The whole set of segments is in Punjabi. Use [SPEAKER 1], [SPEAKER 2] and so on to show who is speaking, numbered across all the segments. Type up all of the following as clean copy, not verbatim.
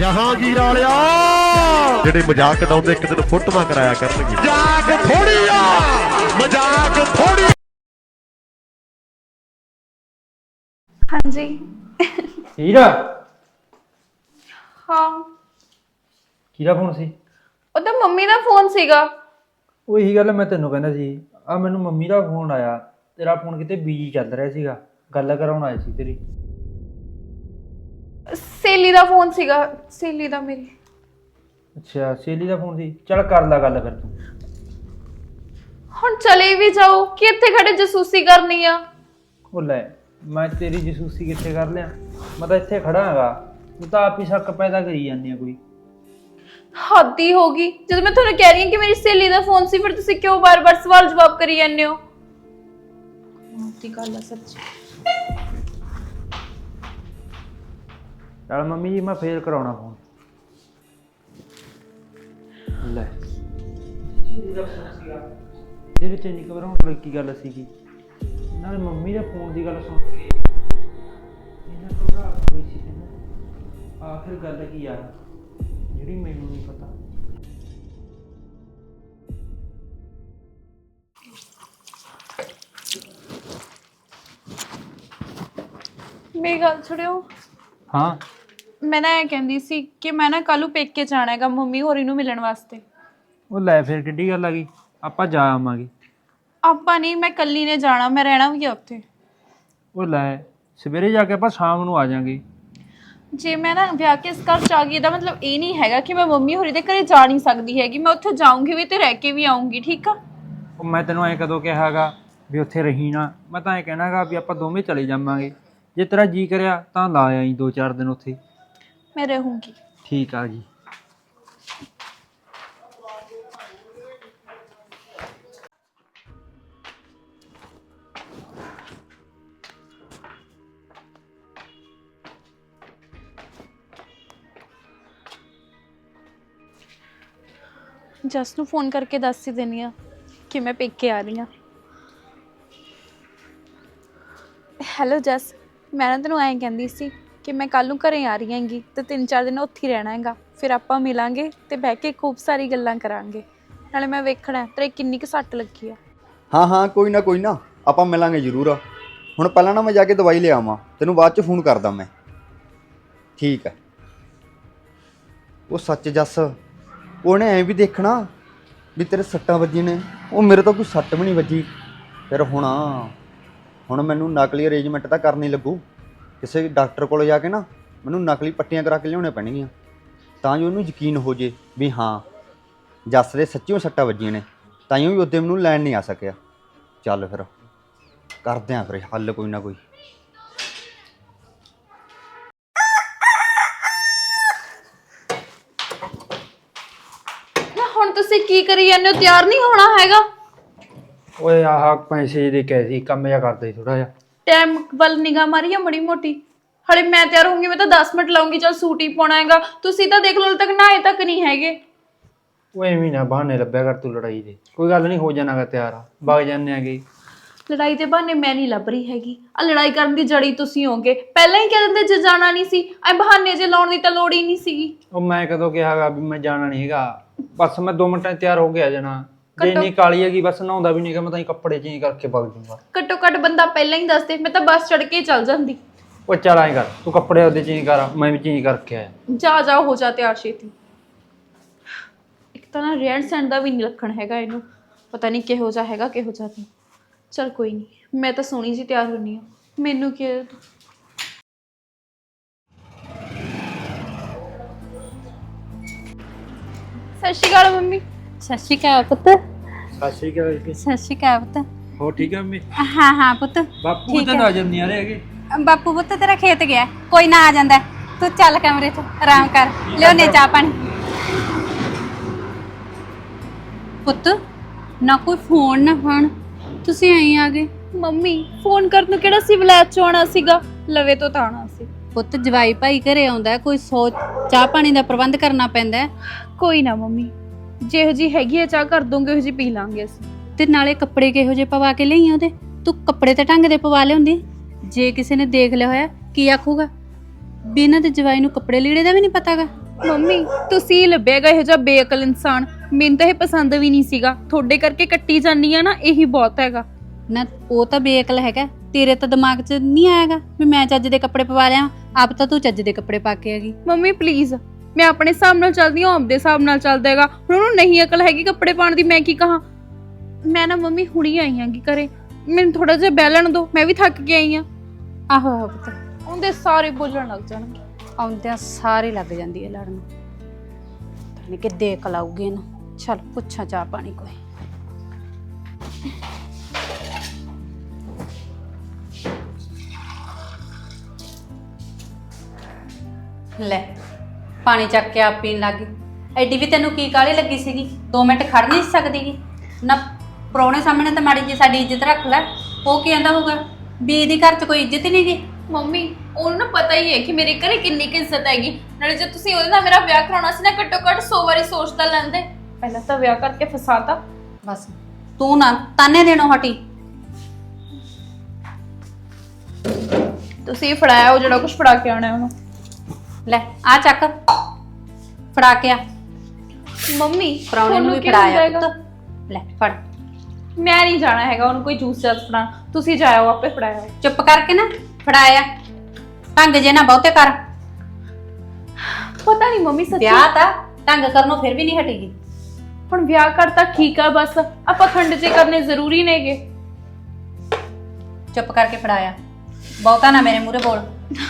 [SPEAKER 1] ਜਹਾਂਗੀਰ ਵਾਲਿਆ ਜਿਹੜੇ ਮਜ਼ਾਕ ਉਡਾਉਂਦੇ ਇੱਕ ਦਿਨ ਫੋਟੋਆਂ ਕਰਾਇਆ ਕਰਨਗੇ। ਮਜ਼ਾਕ ਥੋੜੀ ਆ, ਮਜ਼ਾਕ ਥੋੜੀ।
[SPEAKER 2] ਹਾਂਜੀ
[SPEAKER 3] ਹੀਰਾ
[SPEAKER 2] ਹਾਂ,
[SPEAKER 3] ਕਿਹਦਾ ਫੋਨ ਸੀ?
[SPEAKER 2] ਉਹ ਤਾਂ ਮੰਮੀ ਦਾ ਫੋਨ ਸੀਗਾ।
[SPEAKER 3] ਉਹ ਇਹੀ ਗੱਲ ਮੈਂ ਤੈਨੂੰ ਕਹਿੰਦਾ ਸੀ। ਆ ਮੈਨੂੰ ਮੰਮੀ ਦਾ ਫੋਨ ਆਇਆ, ਤੇਰਾ ਫੋਨ ਕਿਤੇ ਬਿਜੀ ਚੱਲ ਰਿਹਾ ਸੀਗਾ, ਗੱਲ ਕਰਾਉਣ ਆਈ ਸੀ ਤੇਰੀ।
[SPEAKER 2] ਸਹੇਲੀ ਦਾ ਫੋਨ ਸੀਗਾ, ਸਹੇਲੀ ਦਾ ਮੇਰੀ।
[SPEAKER 3] ਅੱਛਾ ਸਹੇਲੀ ਦਾ ਫੋਨ ਸੀ, ਚੱਲ ਕਰ ਲੈ ਗੱਲ ਫਿਰ ਤੂੰ।
[SPEAKER 2] ਹੁਣ ਚਲੇ ਵੀ ਜਾਓ ਕਿ ਇੱਥੇ ਖੜੇ ਜਸੂਸੀ ਕਰਨੀ ਆ?
[SPEAKER 3] ਉਹ ਲੈ ਮੈਂ ਤੇਰੀ ਜਸੂਸੀ ਕਿੱਥੇ ਕਰ ਲਿਆ, ਮੈਂ ਤਾਂ ਇੱਥੇ ਖੜਾ ਹੈਗਾ, ਤੂੰ ਤਾਂ ਆਪ ਹੀ ਸ਼ੱਕ ਪੈਦਾ ਕਰੀ ਜਾਂਦੀ ਆ ਕੋਈ।
[SPEAKER 2] ਹੱਦ ਹੀ ਹੋ ਗਈ, ਜਦੋਂ ਮੈਂ ਤੁਹਾਨੂੰ ਕਹਿ ਰਹੀ ਹਾਂ ਕਿ ਮੇਰੀ ਸਹੇਲੀ ਦਾ ਫੋਨ ਸੀ, ਫਿਰ ਤੁਸੀਂ ਕਿਉਂ ਬਾਰ-ਬਾਰ ਸਵਾਲ ਜਵਾਬ ਕਰੀ ਜਾਂਦੇ ਹੋ? ਦੀ ਗੱਲ ਆ ਸੱਚੀ।
[SPEAKER 3] ਚੱਲ ਮੰਮੀ ਜੀ ਮੈਂ ਫੇਰ ਕਰਾਉਣਾ ਫੋਨ। ਲੈ ਇਹਦੇ ਵਿੱਚ ਇੰਨੀ ਘਬਰਾਉਣ ਵਾਲੀ ਕੀ ਗੱਲ ਸੀਗੀ? ਨਾਲ ਮੰਮੀ ਦੇ ਫੋਨ ਦੀ ਗੱਲ ਸੁਣ ਕੇ ਇਹਨਾਂ ਘਬਰਾ ਹੋਈ ਸੀ। ਕਹਿੰਦਾ ਆਖਿਰ ਗੱਲ ਕੀ ਆ ਜਿਹੜੀ ਮੈਨੂੰ ਨਹੀਂ ਪਤਾ।
[SPEAKER 2] ਮੇਰੀ ਗੱਲ ਛੱਡਿਓ।
[SPEAKER 3] ਹਾਂ
[SPEAKER 2] ਮੈਂ ਨਾ ਇਹ ਕਹਿੰਦੀ ਸੀ ਕਿ ਮੈਂ ਨਾ ਕੱਲ੍ਹ ਨੂੰ ਪੇਕੇ ਜਾਣਾ ਹੈਗਾ ਮੰਮੀ ਹੋਰੀ ਨੂੰ ਮਿਲਣ ਵਾਸਤੇ।
[SPEAKER 3] ਉਹ ਲੈ ਫਿਰ ਕਿੱਡੀ ਗੱਲ ਆ ਗਈ, ਆਪਾਂ ਜਾ ਆਵਾਂਗੇ।
[SPEAKER 2] ਆਪਾਂ ਨਹੀਂ, ਮੈਂ ਕੱਲੀ ਨੇ ਜਾਣਾ, ਮੈਂ ਰਹਿਣਾ ਵੀ ਆ ਉੱਥੇ।
[SPEAKER 3] ਉਹ ਲੈ ਸਵੇਰੇ ਜਾ ਕੇ ਆਪਾਂ ਸ਼ਾਮ ਨੂੰ ਆ ਜਾਾਂਗੇ।
[SPEAKER 2] ਜੇ ਮੈਂ ਨਾ ਵਿਆਹ ਕੇ ਇਸ ਘਰ ਚ ਆ ਗਈ, ਇਹਦਾ ਮਤਲਬ ਇਹ ਨਹੀਂ ਹੈਗਾ ਕਿ ਮੈਂ ਮੰਮੀ ਹੋਰੀ ਦੇ ਘਰੇ ਜਾ ਨਹੀਂ ਸਕਦੀ ਹੈਗੀ। ਮੈਂ ਉੱਥੇ ਜਾਊਂਗੀ ਵੀ ਤੇ ਰਹਿ ਕੇ ਵੀ ਆਊਂਗੀ, ਠੀਕ ਆ?
[SPEAKER 3] ਉਹ ਮੈਂ ਤੈਨੂੰ ਐਂ ਕਦੋਂ ਕਿਹਾ ਹੈਗਾ ਵੀ ਉੱਥੇ ਰਹੀ ਨਾ? ਮੈਂ ਤਾਂ ਐਂ ਕਹਿਣਾ ਗਾ ਵੀ ਆਪਾਂ ਦੋਵੇਂ ਚਲੇ ਜਾਵਾਂਗੇ, ਜੇ ਤੇਰਾ ਜੀ ਕਰਿਆ ਤਾਂ ਲਾ ਆਈ 2-4 ਦਿਨ ਉੱਥੇ।
[SPEAKER 2] ਮੈਂ ਰਹੂੰਗੀ।
[SPEAKER 3] ਠੀਕ ਆ ਜੀ।
[SPEAKER 2] ਜਸ ਨੂੰ ਫੋਨ ਕਰਕੇ ਦੱਸ ਹੀ ਦਿੰਦੀ ਆ ਕਿ ਮੈਂ ਪੇਕੇ ਆ ਰਹੀ ਹਾਂ। ਹੈਲੋ ਜਸ, ਮੈਂ ਨਾ ਤੈਨੂੰ ਐਂ ਕਹਿੰਦੀ ਸੀ ਕਿ ਮੈਂ ਕੱਲ੍ਹ ਨੂੰ ਘਰੇ ਆ ਰਹੀ ਹੈਗੀ ਤੇ 3-4 ਦਿਨ ਉੱਥੇ ਹੀ ਰਹਿਣਾ ਹੈਗਾ। ਫਿਰ ਆਪਾਂ ਮਿਲਾਂਗੇ ਤੇ ਬਹਿ ਕੇ ਖੂਬ ਸਾਰੀ ਗੱਲਾਂ ਕਰਾਂਗੇ। ਨਾਲੇ ਮੈਂ ਵੇਖਣਾ ਤੇਰੇ ਕਿੰਨੀ ਕੁ ਸੱਟ ਲੱਗੀ ਆ।
[SPEAKER 4] ਹਾਂ ਕੋਈ ਨਾ ਆਪਾਂ ਮਿਲਾਂਗੇ ਜ਼ਰੂਰ। ਹੁਣ ਪਹਿਲਾਂ ਨਾ ਮੈਂ ਜਾ ਕੇ ਦਵਾਈ ਲੈ ਆਵਾਂ, ਤੈਨੂੰ ਬਾਅਦ 'ਚ ਫੋਨ ਕਰਦਾ ਮੈਂ। ਠੀਕ ਹੈ। ਉਹ ਸੱਚ ਜੱਸ, ਉਹਨੇ ਐਂ ਵੀ ਦੇਖਣਾ ਵੀ ਤੇਰੇ ਸੱਟਾਂ ਵੱਜੀਆਂ ਨੇ, ਉਹ ਮੇਰੇ ਤੋਂ ਕੋਈ ਸੱਟ ਵੀ ਨਹੀਂ ਵੱਜੀ। ਫਿਰ ਹੁਣ ਮੈਨੂੰ ਨਕਲੀ ਅਰੇਂਜਮੈਂਟ ਤਾਂ ਕਰਨੀ ਲੱਗੂ। ਕਿਸੇ ਡਾਕਟਰ ਕੋਲ ਜਾ ਕੇ ਨਾ ਮੈਨੂੰ ਨਕਲੀ ਪੱਟੀਆਂ ਕਰਾ ਕੇ ਲਿਆਉਣੀਆਂ ਪੈਣਗੀਆਂ, ਤਾਂ ਜੋ ਉਹਨੂੰ ਯਕੀਨ ਹੋ ਜੇ ਵੀ ਹਾਂ ਜੱਸ ਦੇ ਸੱਚੀਓ ਸੱਟਾਂ ਵੱਜੀਆਂ ਨੇ, ਤਾਂ ਹੀ ਉਹ ਵੀ ਉਹਦੇ ਮੈਨੂੰ ਲੈਣ ਨਹੀਂ ਆ ਸਕਿਆ। ਚੱਲ ਫਿਰ ਕਰਦੇ ਆਂ ਫਿਰ ਹੱਲ ਕੋਈ ਨਾ ਕੋਈ।
[SPEAKER 2] ਨਾ ਹੁਣ ਤੁਸੀਂ ਕੀ ਕਰੀ ਜਾਂਦੇ ਹੋ? ਤਿਆਰ ਨਹੀਂ ਹੋਣਾ ਹੈਗਾ?
[SPEAKER 3] ਓਏ ਆਹ ਪੈਸੇ ਦੇ ਕਹੇ ਸੀ, ਕੰਮ ਜਿਹਾ ਕਰਦਾ ਸੀ ਥੋੜਾ ਜਿਹਾ।
[SPEAKER 2] ਟਾਈਮ ਵੱਲ ਨਿਗਾਹ ਮਾਰੀ ਆ ਬੜੀ ਮੋਟੀ। ਹਲੇ ਮੈਂ ਤਿਆਰ ਹੋਊਂਗੀ, ਮੈਂ ਤਾਂ 10 ਮਿੰਟ ਲਾਉਂਗੀ। ਚੱਲ ਸੂਟ ਹੀ ਪਾਉਣਾ ਹੈਗਾ, ਤੁਸੀਂ ਤਾਂ ਦੇਖ ਲਓ ਹਲੇ ਤੱਕ ਨਹਾਏ ਤੱਕ ਨਹੀਂ ਹੈਗੇ।
[SPEAKER 3] ਉਹ ਐਵੇਂ ਨਾ ਬਹਾਨੇ ਲੱਭਿਆ ਕਰ ਤੂੰ ਲੜਾਈ ਦੇ। ਕੋਈ ਗੱਲ ਨਹੀਂ, ਹੋ ਜਾਣਾਗਾ ਤਿਆਰ, ਵਗ ਜਾਂਦੇ ਆਂਗੇ।
[SPEAKER 2] ਲੜਾਈ ਦੇ ਬਹਾਨੇ ਮੈਂ ਨਹੀਂ ਲੱਭ ਰਹੀ ਹੈਗੀ, ਆ ਲੜਾਈ ਕਰਨ ਦੀ ਜੜੀ ਤੁਸੀਂ ਹੋਗੇ। ਪਹਿਲਾਂ ਹੀ ਕਹਿ ਦਿੰਦੇ ਜੇ ਜਾਣਾ ਨਹੀਂ ਸੀ, ਐ ਬਹਾਨੇ ਜੇ ਲਾਉਣ ਦੀ ਤਾਂ ਲੋੜ ਹੀ ਨਹੀਂ ਸੀਗੀ।
[SPEAKER 3] ਉਹ ਮੈਂ ਕਦੋਂ ਕਿਹਾਗਾ ਵੀ ਮੈਂ ਜਾਣਾ ਨਹੀਂ ਹੈਗਾ? ਬਸ ਮੈਂ 2 ਮਿੰਟਾਂ 'ਚ ਤਿਆਰ ਹੋ ਕੇ ਆ ਜਾਣਾ। ਜੇ ਇੰਨੀ ਕਾਲੀ ਹੈਗੀ ਬਸ ਨਹਾਉਂਦਾ ਵੀ ਨਹੀਂ ਹੈਗਾ, ਮੈਂ ਤਾਂ ਹੀ ਕੱਪੜੇ ਚੇਂਜ ਕਰਕੇ ਵਗ ਜੂੰਗਾ।
[SPEAKER 2] ਘੱਟੋ ਘੱਟ ਬੰਦਾ ਪਹਿਲਾਂ ਹੀ ਦੱਸਦੇ, ਮੈਂ ਤਾਂ ਬੱਸ ਚੜ ਕੇ ਚੱਲ ਜਾਂਦੀ।
[SPEAKER 3] ਉਹ ਚੱਲ ਐਂ ਕਰ, ਤੂੰ ਕੱਪੜੇ ਉਹਦੇ ਚੇਂਜ ਕਰ, ਮੈਂ ਵੀ ਚੇਂਜ ਕਰਕੇ ਆਇਆ।
[SPEAKER 2] ਜਾ ਹੋ ਜਾ ਤਿਆਰ ਛੇਤੀ। ਇੱਕ ਤਾਂ ਨਾ ਰਹਿਣ ਸਹਿਣ ਦਾ ਵੀ ਨਹੀਂ ਲੱਖਣ ਹੈਗਾ ਇਹਨੂੰ, ਪਤਾ ਨਹੀਂ ਕਿਹੋ ਜਿਹਾ ਹੈਗਾ ਕਿਹੋ ਜਿਹਾ ਨਹੀਂ। ਚਲ ਕੋਈ ਨਹੀਂ, ਮੈਂ ਤਾਂ ਸੋਹਣੀ ਜੀ ਤਿਆਰ ਹੁੰਨੀ ਆ, ਮੈਨੂੰ ਕੀ। ਸਤਿ ਸ਼੍ਰੀ ਅਕਾਲ ਮੰਮੀ।
[SPEAKER 5] ਸਤਿ ਸ਼੍ਰੀ ਅਕਾਲ ਪੁੱਤ।
[SPEAKER 3] ਸਤਿ ਸ਼੍ਰੀ ਅਕਾਲ।
[SPEAKER 5] ਸਤਿ ਸ਼੍ਰੀ ਅਕਾਲ ਪੁੱਤ।
[SPEAKER 3] ਹੋ ਠੀਕ ਆ ਮੰਮੀ?
[SPEAKER 5] ਹਾਂ ਪੁੱਤ
[SPEAKER 3] ਬਾਪੂ ਤਾਂ ਨਜ਼ਰ ਨਹੀਂ ਆ ਰਹੇ ਹੈਗੇ।
[SPEAKER 5] ਬਾਪੂ ਪੁੱਤ ਤੇਰਾ ਖੇਤ ਗਿਆ, ਕੋਈ ਨਾ ਆ ਜਾਂਦਾ। ਤੂੰ ਚੱਲ ਕਮਰੇ 'ਚ ਆਰਾਮ ਕਰ, ਲਿਆਉਣੇ ਚਾਹ ਪਾਣੀ। ਪੁੱਤ ਨਾ ਕੋਈ ਫੋਨ ਨਾ ਫਾਨ, ਤੁਸੀਂ ਆਈ ਆ ਗਏ।
[SPEAKER 2] ਮੰਮੀ ਫੋਨ ਕਰਨ ਨੂੰ ਕਿਹੜਾ ਸੀ ਵਲੈਤ ਚ ਆਉਣਾ ਸੀਗਾ, ਲਵੇ ਤੋਂ ਤਾਂ ਆਉਣਾ ਸੀ।
[SPEAKER 5] ਪੁੱਤ ਜਵਾਈ ਭਾਈ ਘਰੇ ਆਉਂਦਾ, ਕੋਈ ਸੋਚ ਚਾਹ ਪਾਣੀ ਦਾ ਪ੍ਰਬੰਧ ਕਰਨਾ ਪੈਂਦਾ।
[SPEAKER 2] ਕੋਈ ਨਾ ਮੰਮੀ, ਜਿਹੋ ਜੀ ਹੈਗੀ ਆ ਚਾਹ ਕਰ ਦੋਗੇ ਉਹੋ ਜੀ ਪੀ ਲਾਂਗੇ ਅਸੀਂ।
[SPEAKER 5] ਤੇ ਨਾਲੇ ਕੱਪੜੇ ਕਿਹੋ ਜਿਹੇ ਪਵਾ ਕੇ ਲਈ ਉਹਦੇ? ਤੂੰ ਕੱਪੜੇ ਤਾਂ ਢੰਗ ਦੇ ਪਵਾ ਲਿਆਉਂਦੀ, ਜੇ ਕਿਸੇ ਨੇ ਦੇਖ ਲਿਆ ਹੋਇਆ ਕੀ ਆਖੂਗਾ? ਵੀ ਇਹਨਾਂ ਦੇ ਜਵਾਈ ਨੂੰ ਕੱਪੜੇ ਲੀੜੇ ਦਾ ਵੀ ਨਹੀਂ ਪਤਾਗਾ।
[SPEAKER 2] ਮੰਮੀ ਤੁਸੀਂ ਲੱਭਿਆਗਾ ਇਹੋ ਜਿਹਾ ਬੇਅਕਲ ਇਨਸਾਨ। ਮੈਨੂੰ ਤਾਂ ਇਹ ਪਸੰਦ ਵੀ ਨਹੀਂ ਸੀਗਾ। ਤੁਹਾਡੇ ਕਰਕੇ ਕੱਟੀ ਜਾਨੀ ਆ ਨਾ, ਇਹੀ ਬਹੁਤ ਹੈਗਾ।
[SPEAKER 5] ਨਾ ਉਹ ਤਾਂ ਬੇਅਕਲ ਹੈਗਾ, ਤੇਰੇ ਤਾਂ ਦਿਮਾਗ 'ਚ ਨਹੀਂ ਆਏਗਾ ਵੀ ਮੈਂ ਚੱਜ ਦੇ ਕੱਪੜੇ ਪਵਾ ਲਿਆ। ਆਪ ਤਾਂ ਤੂੰ ਚੱਜ ਦੇ ਕੱਪੜੇ ਪਾ ਕੇ ਆਗੀ।
[SPEAKER 2] ਮੰਮੀ ਪਲੀਜ਼, ਮੈਂ ਆਪਣੇ ਹਿਸਾਬ ਨਾਲ ਚੱਲਦੀ ਹਾਂ, ਆਪਦੇ ਹਿਸਾਬ ਨਾਲ ਚੱਲਦਾ ਹੈਗਾ। ਹੁਣ ਉਹਨੂੰ ਨਹੀਂ ਅਕਲ ਹੈਗੀ ਕੱਪੜੇ ਪਾਉਣ ਦੀ, ਮੈਂ ਕੀ ਕਹਾਂ। ਮੈਂ ਨਾ ਮੰਮੀ ਹੁਣੀ ਆਈ ਆਂਗੀ ਘਰੇ, ਮੈਨੂੰ ਥੋੜਾ ਜਿਹਾ ਬਹਿ ਲੈਣ ਦਿਓ, ਮੈਂ ਵੀ ਥੱਕ ਕੇ ਆਈ ਆ।
[SPEAKER 5] ਆਹੋ ਆਹੋ ਪੁੱਤ,
[SPEAKER 2] ਉਹਦੇ ਸਾਰੇ ਬੋਲਣ ਲੱਗ ਜਾਣਗੇ।
[SPEAKER 5] ਆਉਂਦਿਆਂ ਸਾਰੇ ਲੱਗ ਜਾਂਦੀ ਹੈ ਲੜਨ। ਪਤਾ ਨਹੀਂ ਕਿੱਦੇ ਅਕਲ ਆਊਗੀ ਇਹਨੂੰ। ਚੱਲ ਪੁੱਛਾਂ ਚਾਹ ਪਾਣੀ ਕੋਈ। ਲੈ ਪਾਣੀ ਚੱਕ ਕੇ ਆਪ ਪੀਣ ਲੱਗ ਗਈ। ਐਡੀ ਵੀ ਤੈਨੂੰ ਕੀ ਕਾਹਲੀ ਲੱਗੀ ਸੀਗੀ? 2 ਮਿੰਟ ਖੜ ਨਹੀਂ ਸਕਦੀਗੀ ਨਾ? ਪ੍ਰਾਹੁਣੇ ਸਾਹਮਣੇ ਤਾਂ ਮਾੜੀ ਜੀ ਸਾਡੀ ਇੱਜ਼ਤ ਰੱਖ ਲੈ। ਉਹ ਕੀ ਕਹਿੰਦਾ ਹੋਊਗਾ ਵੀ ਇਹਦੀ ਘਰ 'ਚ ਕੋਈ ਇੱਜ਼ਤ ਹੀ ਨਹੀਂ ਗੀ?
[SPEAKER 2] ਮੰਮੀ ਉਹਨੂੰ ਨਾ ਪਤਾ ਹੀ ਹੈ ਕਿ ਮੇਰੇ ਘਰੇ ਕਿੰਨੀ ਕੁ ਇੱਜ਼ਤ ਹੈਗੀ। ਨਾਲੇ ਜੇ ਤੁਸੀਂ ਉਹਦੇ ਨਾਲ ਮੇਰਾ ਵਿਆਹ ਕਰਾਉਣਾ ਸੀ ਨਾ, ਘੱਟੋ ਘੱਟ 100 ਵਾਰੀ ਸੋਚ ਤਾਂ ਲੈਂਦੇ। ਪਹਿਲਾਂ ਤਾਂ ਵਿਆਹ ਕਰਕੇ ਫਸਾਤਾ।
[SPEAKER 5] ਬਸ ਤੂੰ ਨਾ ਤਾਨੇ ਦੇਣੋਂ ਹਟੀ।
[SPEAKER 2] ਤੁਸੀਂ ਫੜਾਇਆ ਉਹ ਜਿਹੜਾ ਕੁਝ ਫੜਾ ਕੇ ਆਉਣਾ ਉਹਨੂੰ।
[SPEAKER 5] ਲੈ ਆ ਚੱਕ ਫੜਾ ਕੇ ਆ।
[SPEAKER 2] ਮੰਮੀ
[SPEAKER 5] ਪ੍ਰਾਹੁਣੇ ਨੂੰ ਵੀ
[SPEAKER 2] ਕੀ
[SPEAKER 5] ਫੜਾਇਆ
[SPEAKER 2] ਹੁੰਦਾ ਹੈਗਾ?
[SPEAKER 5] ਪੁੱਤ। ਲੈ ਫੜ।
[SPEAKER 2] ਮੈਂ ਨਹੀਂ ਜਾਣਾ ਹੈਗਾ ਉਹਨੂੰ ਕੋਈ ਜੂਸ ਜਾਸ ਫੜਾਉਣ। ਤੁਸੀਂ ਜਾਇਓ, ਆਪੇ ਫੜਾਇਓ।
[SPEAKER 5] ਚੁੱਪ ਕਰਕੇ ਨਾ ਫੜਾਇਆ। ਢੰਗ ਜੇ ਨਾ ਬਹੁਤੇ ਕਰ।
[SPEAKER 2] ਪਤਾ ਨਹੀਂ ਮੰਮੀ ਸੱਚੀ
[SPEAKER 5] ਵਿਆਹ ਤਾਂ ਢੰਗ ਕਰਨੋਂ ਫਿਰ ਵੀ ਨਹੀਂ ਹਟੇਗੀ।
[SPEAKER 2] ਹੁਣ ਵਿਆਹ ਕਰਤਾ ਠੀਕ ਆ, ਬਸ ਆਪਾਂ ਖੰਡ ਜੇ ਕਰਨੇ ਜ਼ਰੂਰੀ ਨੇਗੇ।
[SPEAKER 5] ਚੁੱਪ ਕਰਕੇ ਫੜਾਇਆ। ਬਹੁਤਾ ਨਾ ਮੇਰੇ ਮੂਹਰੇ ਬੋਲ।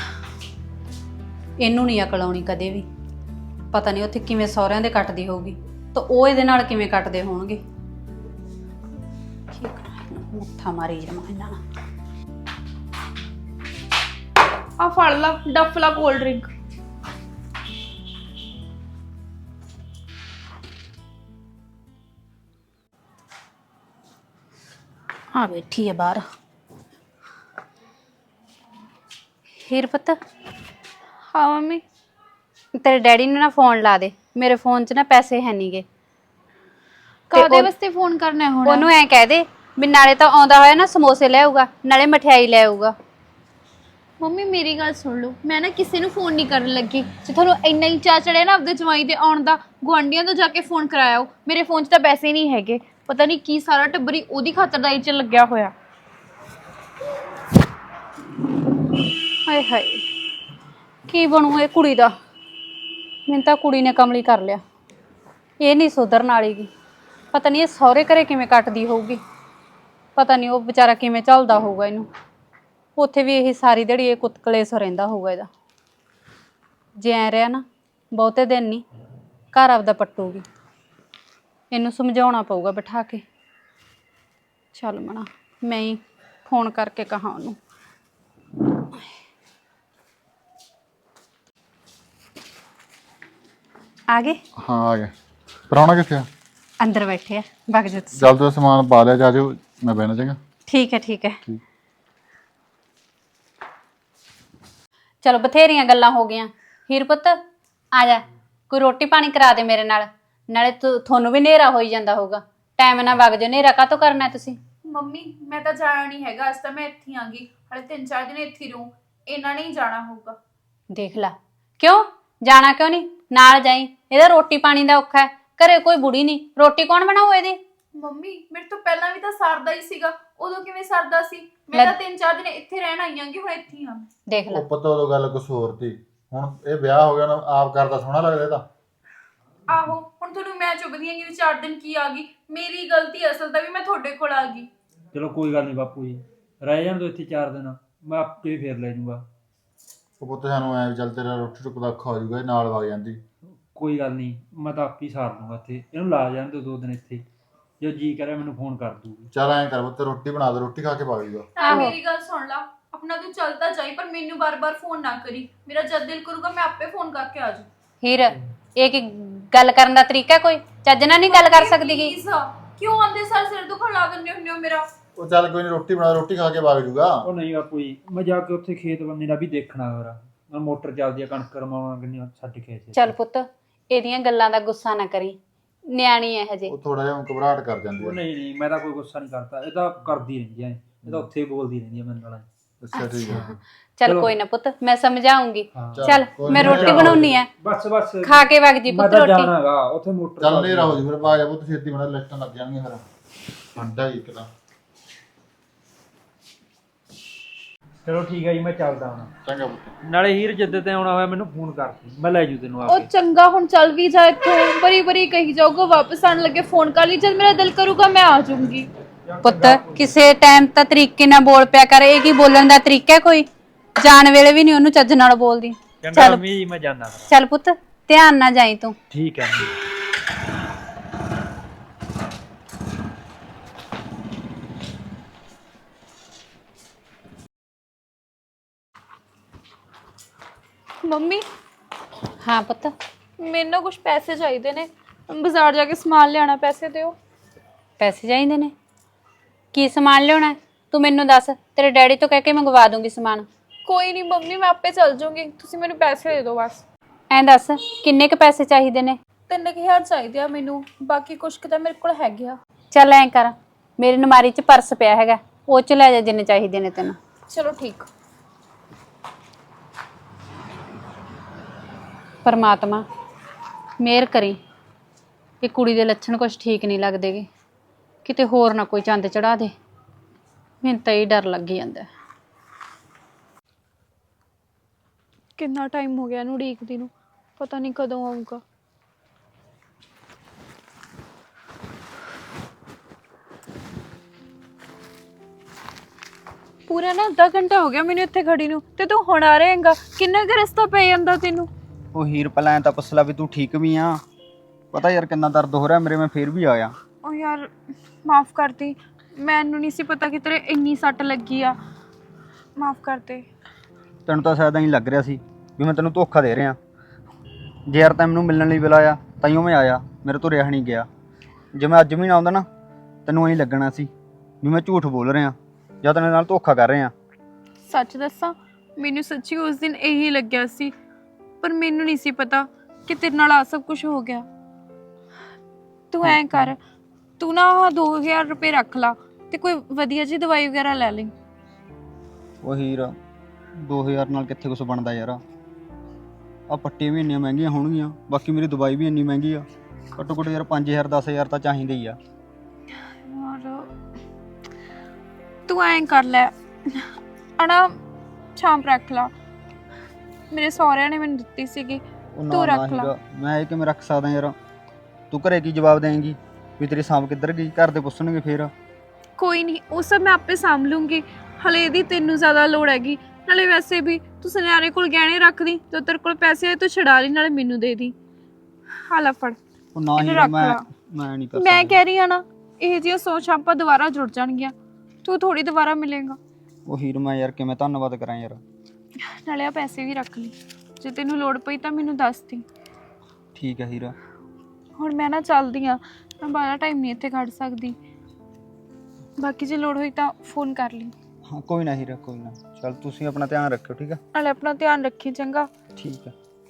[SPEAKER 5] ਇਹਨੂੰ ਨਹੀਂ ਅਕਲ ਆਉਣੀ ਕਦੇ ਵੀ। ਪਤਾ ਨਹੀਂ ਉੱਥੇ ਕਿਵੇਂ ਸਹੁਰਿਆਂ ਦੇ ਕੱਟਦੀ ਹੋਊਗੀ ਤਾਂ ਉਹ ਇਹਦੇ ਨਾਲ ਕਿਵੇਂ ਕੱਟਦੇ ਹੋਣਗੇ। ਕੀ ਕਰਾਂ ਇਹਨੂੰ, ਮੱਥਾ ਮਾਰੀ ਜਾਵਾਂ ਇਹਨਾਂ ਨਾਲ।
[SPEAKER 2] ਆ ਫੜ ਲਾ ਡੱਫਲਾ ਕੋਲਡ ਡਰਿੰਕ।
[SPEAKER 5] ਆ ਬੈਠੀ ਹੈ ਬਾਹਰ। ਹੀਰ ਪੁੱਤ,
[SPEAKER 2] ਹਾਂ ਮੰਮੀ।
[SPEAKER 5] ਤੇਰੇ ਡੈਡੀ ਨੂੰ ਨਾ ਫੋਨ ਲਾ ਦੇ। ਮੇਰੇ ਫੋਨ 'ਚ ਨਾ ਪੈਸੇ ਹੈ ਨਹੀਂਗੇ।
[SPEAKER 2] ਕਾਹਦੇ ਵਾਸਤੇ ਫੋਨ ਕਰਨਾ ਹੁਣ?
[SPEAKER 5] ਉਹਨੂੰ ਐਂ ਕਹਿ ਦੇ ਵੀ ਨਾਲੇ ਤਾਂ ਆਉਂਦਾ ਹੋਇਆ ਨਾ ਸਮੋਸੇ ਲੈ ਆਊਗਾ, ਨਾਲੇ ਮਠਿਆਈ ਲੈ ਆਊਗਾ।
[SPEAKER 2] ਮੰਮੀ ਮੇਰੀ ਗੱਲ ਸੁਣ ਲਓ, ਮੈਂ ਨਾ ਕਿਸੇ ਨੂੰ ਫੋਨ ਨਹੀਂ ਕਰਨ ਲੱਗੀ। ਜੇ ਤੁਹਾਨੂੰ ਇੰਨਾ ਹੀ ਚਾਅ ਚੜਿਆ ਨਾ ਆਪਦੇ ਜਵਾਈ ਦੇ ਆਉਣ ਦਾ, ਗੁਆਂਢੀਆਂ ਤੋਂ ਜਾ ਕੇ ਫੋਨ ਕਰਾਇਓ। ਮੇਰੇ ਫੋਨ 'ਚ ਤਾਂ ਪੈਸੇ ਨਹੀਂ ਹੈਗੇ। ਪਤਾ ਨਹੀਂ ਕੀ ਸਾਰਾ ਟੱਬਰੀ ਉਹਦੀ ਖਾਤਰਦਾਰੀ 'ਚ ਲੱਗਿਆ ਹੋਇਆ।
[SPEAKER 5] ਹਾਏ ਹਾਏ, ਕੀ ਬਣੂ ਇਹ ਕੁੜੀ ਦਾ? ਮੈਨੂੰ ਤਾਂ ਕੁੜੀ ਨੇ ਕਮਲੀ ਕਰ ਲਿਆ। ਇਹ ਨਹੀਂ ਸੁਧਰਨ ਵਾਲੀਗੀ। ਪਤਾ ਨਹੀਂ ਇਹ ਸਹੁਰੇ ਘਰੇ ਕਿਵੇਂ ਕੱਟਦੀ ਹੋਊਗੀ। ਪਤਾ ਨਹੀਂ ਉਹ ਵਿਚਾਰਾ ਕਿਵੇਂ ਝੱਲਦਾ ਹੋਊਗਾ ਇਹਨੂੰ। ਉੱਥੇ ਵੀ ਇਹ ਸਾਰੀ ਦਿਹਾੜੀ ਇਹ ਕੁੱਤਕਲੇਸ ਰਹਿੰਦਾ ਹੋਊਗਾ ਇਹਦਾ। ਜੇ ਐ ਰਿਹਾ ਨਾ ਬਹੁਤੇ ਦਿਨ ਨਹੀਂ, ਘਰ ਆਪਦਾ ਪੱਟੂਗੀ। ਇਹਨੂੰ ਸਮਝਾਉਣਾ ਪਊਗਾ ਬਿਠਾ ਕੇ। ਚੱਲ ਮਣਾ, ਮੈਂ ਹੀ ਫੋਨ ਕਰਕੇ ਕਹਾਂ ਉਹਨੂੰ। ਆ ਗਏ?
[SPEAKER 6] ਹਾਂ ਆ ਗਿਆ। ਪ੍ਰਾਹੁਣਾ ਕਿੱਥੇ ਆ?
[SPEAKER 5] ਅੰਦਰ ਬੈਠੇ ਆ। ਵਗ ਜਾ ਤੁਸੀਂ।
[SPEAKER 6] ਜਲਦੀ ਸਮਾਨ ਪਾ ਲਿਆ, ਜਾ ਜਾਓ, ਮੈਂ ਬਹਿਣਾ ਚਾਹਾਂਗਾ।
[SPEAKER 5] ਠੀਕ ਹੈ ਠੀਕ ਹੈ। ਚਲੋ ਬਥੇਰੀਆਂ ਗੱਲਾਂ ਹੋ ਗਈਆਂ। ਹੀਰ ਪੁੱਤ ਆ ਜਾ, ਕੋਈ ਰੋਟੀ ਪਾਣੀ ਕਰਾ ਦੇ ਮੇਰੇ ਨਾਲ। ਨਾਲੇ ਤੁਹਾਨੂੰ ਵੀ ਹਨੇਰਾ ਹੋਈ ਜਾਂਦਾ ਹੋਊਗਾ। ਟਾਈਮ ਨਾਲ ਵਗ ਜਾਓ। ਹਨੇਰਾ ਕਾਹਤੋਂ ਕਰਨਾ ਤੁਸੀਂ?
[SPEAKER 2] ਮੰਮੀ ਮੈਂ ਤਾਂ ਜਾਣਾ ਨਹੀਂ ਹੈਗਾ। ਅੱਜ ਤਾਂ ਮੈਂ ਇੱਥੇ ਹੀ ਆਂਗੀ। ਹਲੇ 3-4 ਦਿਨ ਇੱਥੇ ਹੀ ਰਹੂੰ। ਇਹਨਾਂ ਨੇ ਹੀ ਜਾਣਾ ਹੋਊਗਾ।
[SPEAKER 5] ਦੇਖ ਲਾ, ਕਿਉਂ ਜਾਣਾ ਕਿਉਂ ਨਹੀਂ? ਨਾਲ ਜਾਈ। ਇਹਦਾ ਰੋਟੀ ਪਾਣੀ ਦਾ ਔਖਾ ਹੈ। ਘਰੇ ਕੋਈ ਬੁੜੀ ਨਹੀਂ, ਰੋਟੀ ਕੌਣ ਬਣਾਊ ਇਹਦੀ?
[SPEAKER 2] ਮੰਮੀ ਮੇਰੇ ਤੋਂ ਪਹਿਲਾਂ ਵੀ ਤਾਂ ਸਰਦਾ ਹੀ ਸੀਗਾ। ਉਦੋਂ ਕਿਵੇਂ ਸਰਦਾ ਸੀ? ਮੈਂ ਤਾਂ 3-4 ਦਿਨ ਇੱਥੇ ਰਹਿਣ ਆਈ ਆਂਗੀ। ਹੁਣ ਇੱਥੇ ਹੀ ਆਂ।
[SPEAKER 5] ਦੇਖ ਲਾ।
[SPEAKER 6] ਉਹ ਪਤਾ ਉਦੋਂ ਗੱਲ ਕੁਛ ਹੋਰ ਤੀ। ਹੁਣ ਇਹ ਵਿਆਹ ਹੋ ਗਿਆ ਨਾ, ਆਪ ਕਰਦਾ ਸੋਹਣਾ ਲੱਗਦਾ ਇਹਦਾ।
[SPEAKER 2] ਆਹੋ ਹੁਣ ਤੁਹਾਨੂੰ ਮੈਂ ਚੁੱਭਦੀ ਆਂਗੀ ਵੀ 4 ਦਿਨ ਕੀ ਆ ਗਈ। ਮੇਰੀ ਗਲਤੀ ਅਸਲ ਤਾਂ ਵੀ ਮੈਂ ਤੁਹਾਡੇ ਕੋਲ ਆ ਗਈ।
[SPEAKER 3] ਚਲੋ ਕੋਈ ਗੱਲ ਨਹੀਂ ਬਾਪੂ ਜੀ, ਰਹਿ ਜਾਣ ਦੋ ਇੱਥੇ 4 ਦਿਨ, ਮੈਂ ਆਪੇ ਫੇਰ ਲੈ ਜਾਊਗਾ।
[SPEAKER 6] ਉਹ ਪੁੱਤ ਸਾਨੂੰ ਐ ਵੀ ਚੱਲ ਤੇਰਾ ਰੋਟੀ ਟੁੱਕ ਦਾ ਔਖਾ ਹੋ ਜਾਊਗਾ, ਇਹ ਨਾਲ ਵਗ ਜਾਂਦੀ।
[SPEAKER 3] ਕੋਈ ਗੱਲ ਨਹੀਂ, ਮੈਂ ਤਾਂ ਆਪੇ ਸਾਰ ਲੂੰਗਾ ਇੱਥੇ। ਇਹਨੂੰ ਲਾ ਜਾਣ ਦਿਓ 2 ਦਿਨ ਇੱਥੇ। ਜੋ ਜੀ ਕਰੇ ਮੈਨੂੰ ਫੋਨ ਕਰ ਦੂਗੀ।
[SPEAKER 6] ਚੱਲ ਐਂ ਕਰ ਪੁੱਤ, ਰੋਟੀ ਬਣਾ ਦੇ, ਰੋਟੀ ਖਾ ਕੇ ਵਗ ਜਾਊਗਾ।
[SPEAKER 2] ਮੇਰੀ ਗੱਲ ਸੁਣ ਲਾ, ਆਪਣਾ ਤੂੰ ਚੱਲਦਾ ਜਾਈ, ਪਰ ਮੈਨੂੰ ਬਾਰ-ਬਾਰ ਫੋਨ ਨਾ ਕਰੀ। ਮੇਰਾ ਜਦ ਦਿਲ ਕਰੂਗਾ ਮੈਂ ਆਪੇ ਫੋਨ ਕਰਕੇ ਆ ਜਾਊਂ।
[SPEAKER 5] ਹੀਰ, ਇਹ ਕੀ ਗੱਲ ਕਰਨ ਦਾ ਤਰੀਕਾ? ਕੋਈ ਚੱਜ ਨਾਲ ਨਹੀਂ ਗੱਲ ਕਰ ਸਕਦੀ ਗੀ।
[SPEAKER 2] ਕਿਉਂ ਆਂਦੇ ਸਾਰ ਸਿਰ ਦੁਖਣ ਲਾ ਦਿੰਦੇ ਹੁੰਦੇ ਹੋ ਮੇਰਾ?
[SPEAKER 6] ਉਹ ਚੱਲ ਕੋਈ ਨਹੀਂ, ਰੋਟੀ ਬਣਾ, ਰੋਟੀ ਖਾ ਕੇ ਵਗ ਜਾਊਗਾ।
[SPEAKER 3] ਉਹ ਨਹੀਂ ਬਾਪੂ ਜੀ, ਮੈਂ ਜਾ ਕੇ ਉੱਥੇ ਖੇਤ ਬੰਦੇ ਦਾ ਵੀ ਦੇਖਣਾ ਹੋਰਾ। ਮੈਂ ਮੋਟਰ ਚੱਲਦੀ ਆ, ਕਣਕ ਰਮਾਉਣਾ ਕਿੰਨੀ ਛੱਡ ਕੇ ਆਏ।
[SPEAKER 5] ਚੱਲ ਪੁੱਤ, ਇਹਦੀਆਂ ਗੱਲਾਂ ਦਾ ਗੁੱਸਾ ਨਾ ਕਰੀ। ਨਿਆਣੀ ਹੈ ਹਜੇ।
[SPEAKER 6] ਉਹ ਥੋੜਾ ਜਿਹਾ ਘਬਰਾਹਟ ਕਰ ਜਾਂਦੀ
[SPEAKER 3] ਉਹ
[SPEAKER 6] ਹੈ।
[SPEAKER 3] ਨਹੀਂ ਮੈਂ ਤਾਂ ਕੋਈ ਗੁੱਸਾ ਨਹੀਂ ਕਰਦਾ। ਇਹ ਤਾਂ ਕਰਦੀ ਰਹਿੰਦੀ ਐ। ਇਹ ਤਾਂ ਉੱਥੇ ਹੀ ਬੋਲਦੀ ਰਹਿੰਦੀ ਐ ਮੇਰੇ ਨਾਲ।
[SPEAKER 6] ਅੱਛਾ ਠੀਕ ਹੈ।
[SPEAKER 5] ਚੱਲ
[SPEAKER 3] ਚਲੋ।
[SPEAKER 5] ਕੋਈ ਨਾ ਪੁੱਤ ਮੈਂ ਸਮਝਾਉਂਗੀ
[SPEAKER 6] ਚੱਲ,
[SPEAKER 5] ਚੱਲ
[SPEAKER 6] ਕੋਈ
[SPEAKER 5] ਮੈਂ
[SPEAKER 6] ਨੀ,
[SPEAKER 5] ਰੋਟੀ
[SPEAKER 6] ਜਾਓ।
[SPEAKER 5] ਬਣਾਉਣੀ ਆ
[SPEAKER 3] ਬਸ ਬਸ
[SPEAKER 5] ਖਾ ਕੇ ਵਗ ਜੀ
[SPEAKER 3] ਮੈਂ
[SPEAKER 5] ਪੁੱਤ
[SPEAKER 3] ਤਾਂ
[SPEAKER 5] ਰੋਟੀ
[SPEAKER 3] ਜਾਣਾਗਾ ਉੱਥੇ ਮੋਟਰ
[SPEAKER 6] ਚੱਲ ਨਹੀਂ ਰਹੋ ਜੀ ਫਿਰ ਬਾਜ ਆ ਪੁੱਤ ਛੇਤੀ ਬਣਾ ਲਿਸਟਾਂ ਲੱਗ ਜਾਣਗੀਆਂ ਫਿਰ ਠੰਡਾ ਹੀ ਇੱਕ ਤਾਂ
[SPEAKER 3] ਚਲੋ ਠੀਕ ਹੈ ਜੀ ਮੈਂ ਚੱਲਦਾ ਹੁਣ
[SPEAKER 6] ਚੰਗਾ ਪੁੱਤ
[SPEAKER 3] ਨਾਲੇ ਹੀਰ ਜਿੱਦ ਤੇ ਆਉਣਾ ਹੋਇਆ ਮੈਨੂੰ ਫੋਨ ਕਰ ਦੀ ਮੈਂ ਲੈ ਜੂ ਤੈਨੂੰ ਆ
[SPEAKER 2] ਉਹ
[SPEAKER 3] ਕੇ
[SPEAKER 2] ਚੰਗਾ ਹੁਣ ਚੱਲ ਵੀ ਜਾ ਇੱਥੋਂ ਬਰੀ ਬਰੀ ਕਹੀ ਜਾਊਗਾ ਵਾਪਸ ਆਣ ਲੱਗੇ ਫੋਨ ਕਰ ਲਈ ਜਦ ਮੇਰਾ ਦਿਲ ਕਰੂਗਾ ਮੈਂ ਆ ਜਾਊਂਗੀ।
[SPEAKER 5] ਪੁੱਤ ਕਿਸੇ ਟਾਈਮ ਤਾਂ ਤਰੀਕੇ ਨਾਲ ਬੋਲ ਪਿਆ ਕਰ ਇਹ ਕੀ ਬੋਲਣ ਦਾ ਤਰੀਕਾ ਹੈ ਕੋਈ ਜਾਣ ਵੇਲੇ ਵੀ ਨਹੀਂ ਉਹਨੂੰ ਚੱਜ ਨਾਲ ਬੋਲਦੀ
[SPEAKER 3] ਚੰਗਾ
[SPEAKER 5] ਚੱਲ
[SPEAKER 3] ਮੰਮੀ ਜੀ ਮੈਂ ਜਾਣਾ ਫਿਰ
[SPEAKER 5] ਚੱਲ ਪੁੱਤ ਧਿਆਨ ਨਾਲ ਜਾਈ ਤੂੰ
[SPEAKER 3] ਠੀਕ ਹੈ
[SPEAKER 2] ਮੰਮੀ
[SPEAKER 5] ਹਾਂ ਪੁੱਤ
[SPEAKER 2] ਮੈਨੂੰ ਕੁਝ ਪੈਸੇ ਚਾਹੀਦੇ ਨੇ ਬਾਜ਼ਾਰ ਜਾ ਕੇ ਸਮਾਨ ਲਿਆਣਾ ਪੈਸੇ ਦਿਓ।
[SPEAKER 5] ਪੈਸੇ ਚਾਹੀਦੇ ਨੇ ਕੀ ਸਮਾਨ ਲਿਆਉਣਾ ਹੈ? ਤੂੰ ਮੈਨੂੰ ਦੱਸ ਤੇਰੇ ਡੈਡੀ ਤੋਂ ਕਹਿ ਕੇ ਮੰਗਵਾ ਦੂੰਗੀ ਸਮਾਨ
[SPEAKER 2] ਕੋਈ ਨਹੀਂ ਮੰਮੀ ਮੈਂ ਆਪੇ ਚੱਲ ਜਾਊਂਗੀ ਤੁਸੀਂ ਮੈਨੂੰ ਪੈਸੇ ਦੇ ਦਿਓ ਬਸ।
[SPEAKER 5] ਐਂ ਦੱਸ ਕਿੰਨੇ ਕ ਪੈਸੇ ਚਾਹੀਦੇ ਨੇ
[SPEAKER 2] 3000 ਚਾਹੀਦੇ ਆ ਮੈਨੂੰ ਬਾਕੀ ਕੁਝ ਕੁ ਤਾਂ ਮੇਰੇ ਕੋਲ ਹੈਗੇ ਆ।
[SPEAKER 5] ਚੱਲ ਐਂ ਕਰ ਮੇਰੀ ਨਮਾਰੀ 'ਚ ਪਰਸ ਪਿਆ ਹੈਗਾ ਉਹ 'ਚ ਲੈ ਜਾ ਜਿੰਨੇ ਚਾਹੀਦੇ ਨੇ ਤੈਨੂੰ
[SPEAKER 2] ਚਲੋ ਠੀਕ।
[SPEAKER 5] ਪਰਮਾਤਮਾ ਮਿਹਰ ਕਰੀ ਇਹ ਕੁੜੀ ਦੇ ਲੱਛਣ ਕੁਝ ਠੀਕ ਨਹੀਂ ਲੱਗਦੇਗੇ ਕਿਤੇ ਹੋਰ ਨਾ ਕੋਈ ਚੰਦ ਚੜਾ ਦੇ ਮੈਨੂੰ ਤਾਂ ਇਹ ਡਰ ਲੱਗ ਜਾਂਦਾ
[SPEAKER 2] ਕਿੰਨਾ ਟਾਈਮ ਹੋ ਗਿਆ ਇਹਨੂੰ ਉਡੀਕਦੀ ਨੂੰ ਪਤਾ ਨਹੀਂ ਕਦੋਂ ਆਊਗਾ। ਪੂਰਾ ਨਾ ਅੱਧਾ ਘੰਟਾ ਹੋ ਗਿਆ ਮੈਨੂੰ ਇੱਥੇ ਖੜੀ ਨੂੰ ਤੇ ਤੂੰ ਹੁਣ ਆ ਰਹੇਂਗਾ ਕਿੰਨਾ ਕੁ ਰਸਤਾ ਪੈ ਜਾਂਦਾ ਤੈਨੂੰ।
[SPEAKER 4] ਉਹ ਹੀਰ ਪਹਿਲਾਂ ਐਂ ਤਾਂ ਪੁੱਛ ਲਾ ਵੀ ਤੂੰ ਠੀਕ ਵੀ ਆ ਪਤਾ ਯਾਰ ਕਿੰਨਾ ਦਰਦ ਹੋ ਰਿਹਾ ਮੇਰੇ ਮੈਂ ਫੇਰ ਵੀ ਆਇਆ।
[SPEAKER 2] ਉਹ ਯਾਰ ਮਾਫ ਕਰਦੀ ਮੈਨੂੰ ਨਹੀਂ ਸੀ ਪਤਾ ਕਿ ਤੇਰੇ ਇੰਨੀ ਸੱਟ ਲੱਗੀ ਆ ਮਾਫ ਕਰ ਦੇ।
[SPEAKER 4] ਤੈਨੂੰ ਤਾਂ ਸ਼ਾਇਦ ਐਂ ਲੱਗ ਰਿਹਾ ਸੀ ਵੀ ਮੈਂ ਤੈਨੂੰ ਧੋਖਾ ਦੇ ਰਿਹਾ ਜੇ ਯਾਰ ਤੈਨੂੰ ਮੈਨੂੰ ਮਿਲਣ ਲਈ ਬੁਲਾਇਆ ਤਾਈਓ ਮੈਂ ਆਇਆ ਮੇਰੇ ਤੋਂ ਰਿਹਾ ਨਹੀਂ ਗਿਆ ਜੇ ਮੈਂ ਅੱਜ ਵੀ ਨਾ ਆਉਂਦਾ ਨਾ ਤੈਨੂੰ ਐਂ ਲੱਗਣਾ ਸੀ ਵੀ ਮੈਂ ਝੂਠ ਬੋਲ ਰਿਹਾ ਜਾਂ ਤੇਰੇ ਨਾਲ ਧੋਖਾ ਕਰ ਰਿਹਾ।
[SPEAKER 2] ਸੱਚ ਦੱਸਾਂ ਮੈਨੂੰ ਸੱਚੀ ਉਸ ਦਿਨ ਇਹੀ ਲੱਗਿਆ ਸੀ ਪਰ ਮੈਨੂੰ ਨਹੀਂ ਸੀ ਪਤਾ ਕਿ ਤੇਰੇ ਨਾਲ ਆ ਸਭ ਕੁਝ ਹੋ ਗਿਆ। ਤੂੰ ਐਂ ਕਰ ਤੂੰ ਨਾ ਆਹ 2000 ਰੁਪਏ ਰੱਖ ਲਾ ਤੇ ਕੋਈ ਵਧੀਆ ਜੀ ਦਵਾਈ ਵਗੈਰਾ ਲੈ ਲਈ।
[SPEAKER 4] ਉਹ ਹੀਰ 2000 ਨਾਲ ਕਿੱਥੇ ਕੁਛ ਬਣਦਾ ਯਾਰ ਆ ਪੱਟੀਆਂ ਵੀ ਇੰਨੀਆਂ ਮਹਿੰਗੀਆਂ ਹੋਣਗੀਆਂ ਬਾਕੀ ਮੇਰੀ ਦਵਾਈ ਵੀ ਇੰਨੀ ਮਹਿੰਗੀ ਆ ਘੱਟੋ ਘੱਟ ਯਾਰ 5000 10000 ਤਾਂ ਚਾਹੀਦੇ ਹੀ ਆ।
[SPEAKER 2] ਔਰ ਤੂੰ ਐਂ ਕਰ ਲੈ ਅਣਾ ਛਾਂਪ ਰੱਖ ਲਾ ਮੇਰੇ ਸਹੁਰਿਆਂ ਨੇ ਮੈਨੂੰ ਦਿੱਤੀ ਸੀਗੀ
[SPEAKER 4] ਉਹ ਨਾ
[SPEAKER 2] ਤੂੰ
[SPEAKER 4] ਨਾ
[SPEAKER 2] ਰੱਖ ਲਾ।
[SPEAKER 4] ਹੀਰਾ ਮੈਂ ਇਹ ਕਿਵੇਂ ਰੱਖ ਸਕਦਾ ਯਾਰ ਤੂੰ ਘਰੇ ਕੀ ਜਵਾਬ ਦੇਂਗੀ ਵੀ ਤੇਰੀ ਸਾਂਭ ਕਿੱਧਰ ਗਈ ਘਰ ਦੇ ਪੁੱਛਣਗੇ ਫੇਰ।
[SPEAKER 2] ਕੋਈ ਨਹੀਂ ਉਹ ਸਭ ਮੈਂ ਆਪੇ ਸਾਂਭ ਲੂੰਗੀ ਹਲੇ ਇਹਦੀ ਤੈਨੂੰ ਜ਼ਿਆਦਾ ਲੋੜ ਹੈਗੀ ਨਾਲੇ ਵੈਸੇ ਵੀ ਤੂੰ ਸੁਨਿਆਰੇ ਕੋਲ ਗਹਿਣੇ ਰੱਖਦੀ ਤੇ ਤੇਰੇ ਕੋਲ ਪੈਸੇ ਆਏ ਤੂੰ ਛਡਾ ਲਈ ਨਾਲੇ ਮੈਨੂੰ ਦੇ ਦੀ। ਹਾਲਾ ਫੜ
[SPEAKER 4] ਉਹ ਨਾ
[SPEAKER 2] ਇਹਨੂੰ
[SPEAKER 4] ਹੀਰਾ
[SPEAKER 2] ਰੱਖ
[SPEAKER 4] ਮੈਂ
[SPEAKER 2] ਲਾ।
[SPEAKER 4] ਮੈਂ ਨਹੀਂ ਕਰ
[SPEAKER 2] ਮੈਂ
[SPEAKER 4] ਸਕਦਾ।
[SPEAKER 2] ਕਹਿ ਰਹੀ ਆ ਨਾ ਇਹ ਜਿਹੀਆਂ ਸੋਚ ਆਪਾਂ ਦੁਬਾਰਾ ਜੁੜ ਜਾਣਗੀਆਂ ਤੂੰ ਥੋੜੀ ਦੁਬਾਰਾ ਮਿਲੇਗਾ
[SPEAKER 4] ਉਹ ਹੀਰ ਮੈਂ ਯਾਰ ਕਿਵੇਂ ਧੰਨਵਾਦ ਕਰਾਂ ਯਾਰ।
[SPEAKER 2] ਨਾਲੇ ਆ ਪੈਸੇ ਵੀ ਰੱਖ ਲਈ ਜੇ ਤੈਨੂੰ ਲੋੜ ਪਈ ਤਾਂ ਮੈਨੂੰ ਦੱਸ ਦੀ।
[SPEAKER 4] ਠੀਕ ਹੈ ਹੀਰਾ।
[SPEAKER 2] ਹੁਣ ਮੈਂ ਨਾ ਚੱਲਦੀ ਆ ਮੈਂ ਬਾਹਲਾ ਟਾਈਮ ਨਹੀਂ ਇੱਥੇ ਖੜ ਸਕਦੀ ਬਾਕੀ ਜੇ ਲੋੜ ਹੋਈ ਤਾਂ ਫੋਨ ਕਰ ਲਈ।
[SPEAKER 4] ਹਾਂ ਕੋਈ ਨਾ ਹੀਰਾ ਕੋਈ ਨਾ ਚਲ ਤੁਸੀਂ ਆਪਣਾ ਧਿਆਨ ਰੱਖਿਓ ਠੀਕ ਹੈ।
[SPEAKER 2] ਨਾਲੇ ਆਪਣਾ ਧਿਆਨ ਰੱਖੀ ਚੰਗਾ।
[SPEAKER 4] ਠੀਕ ਹੈ।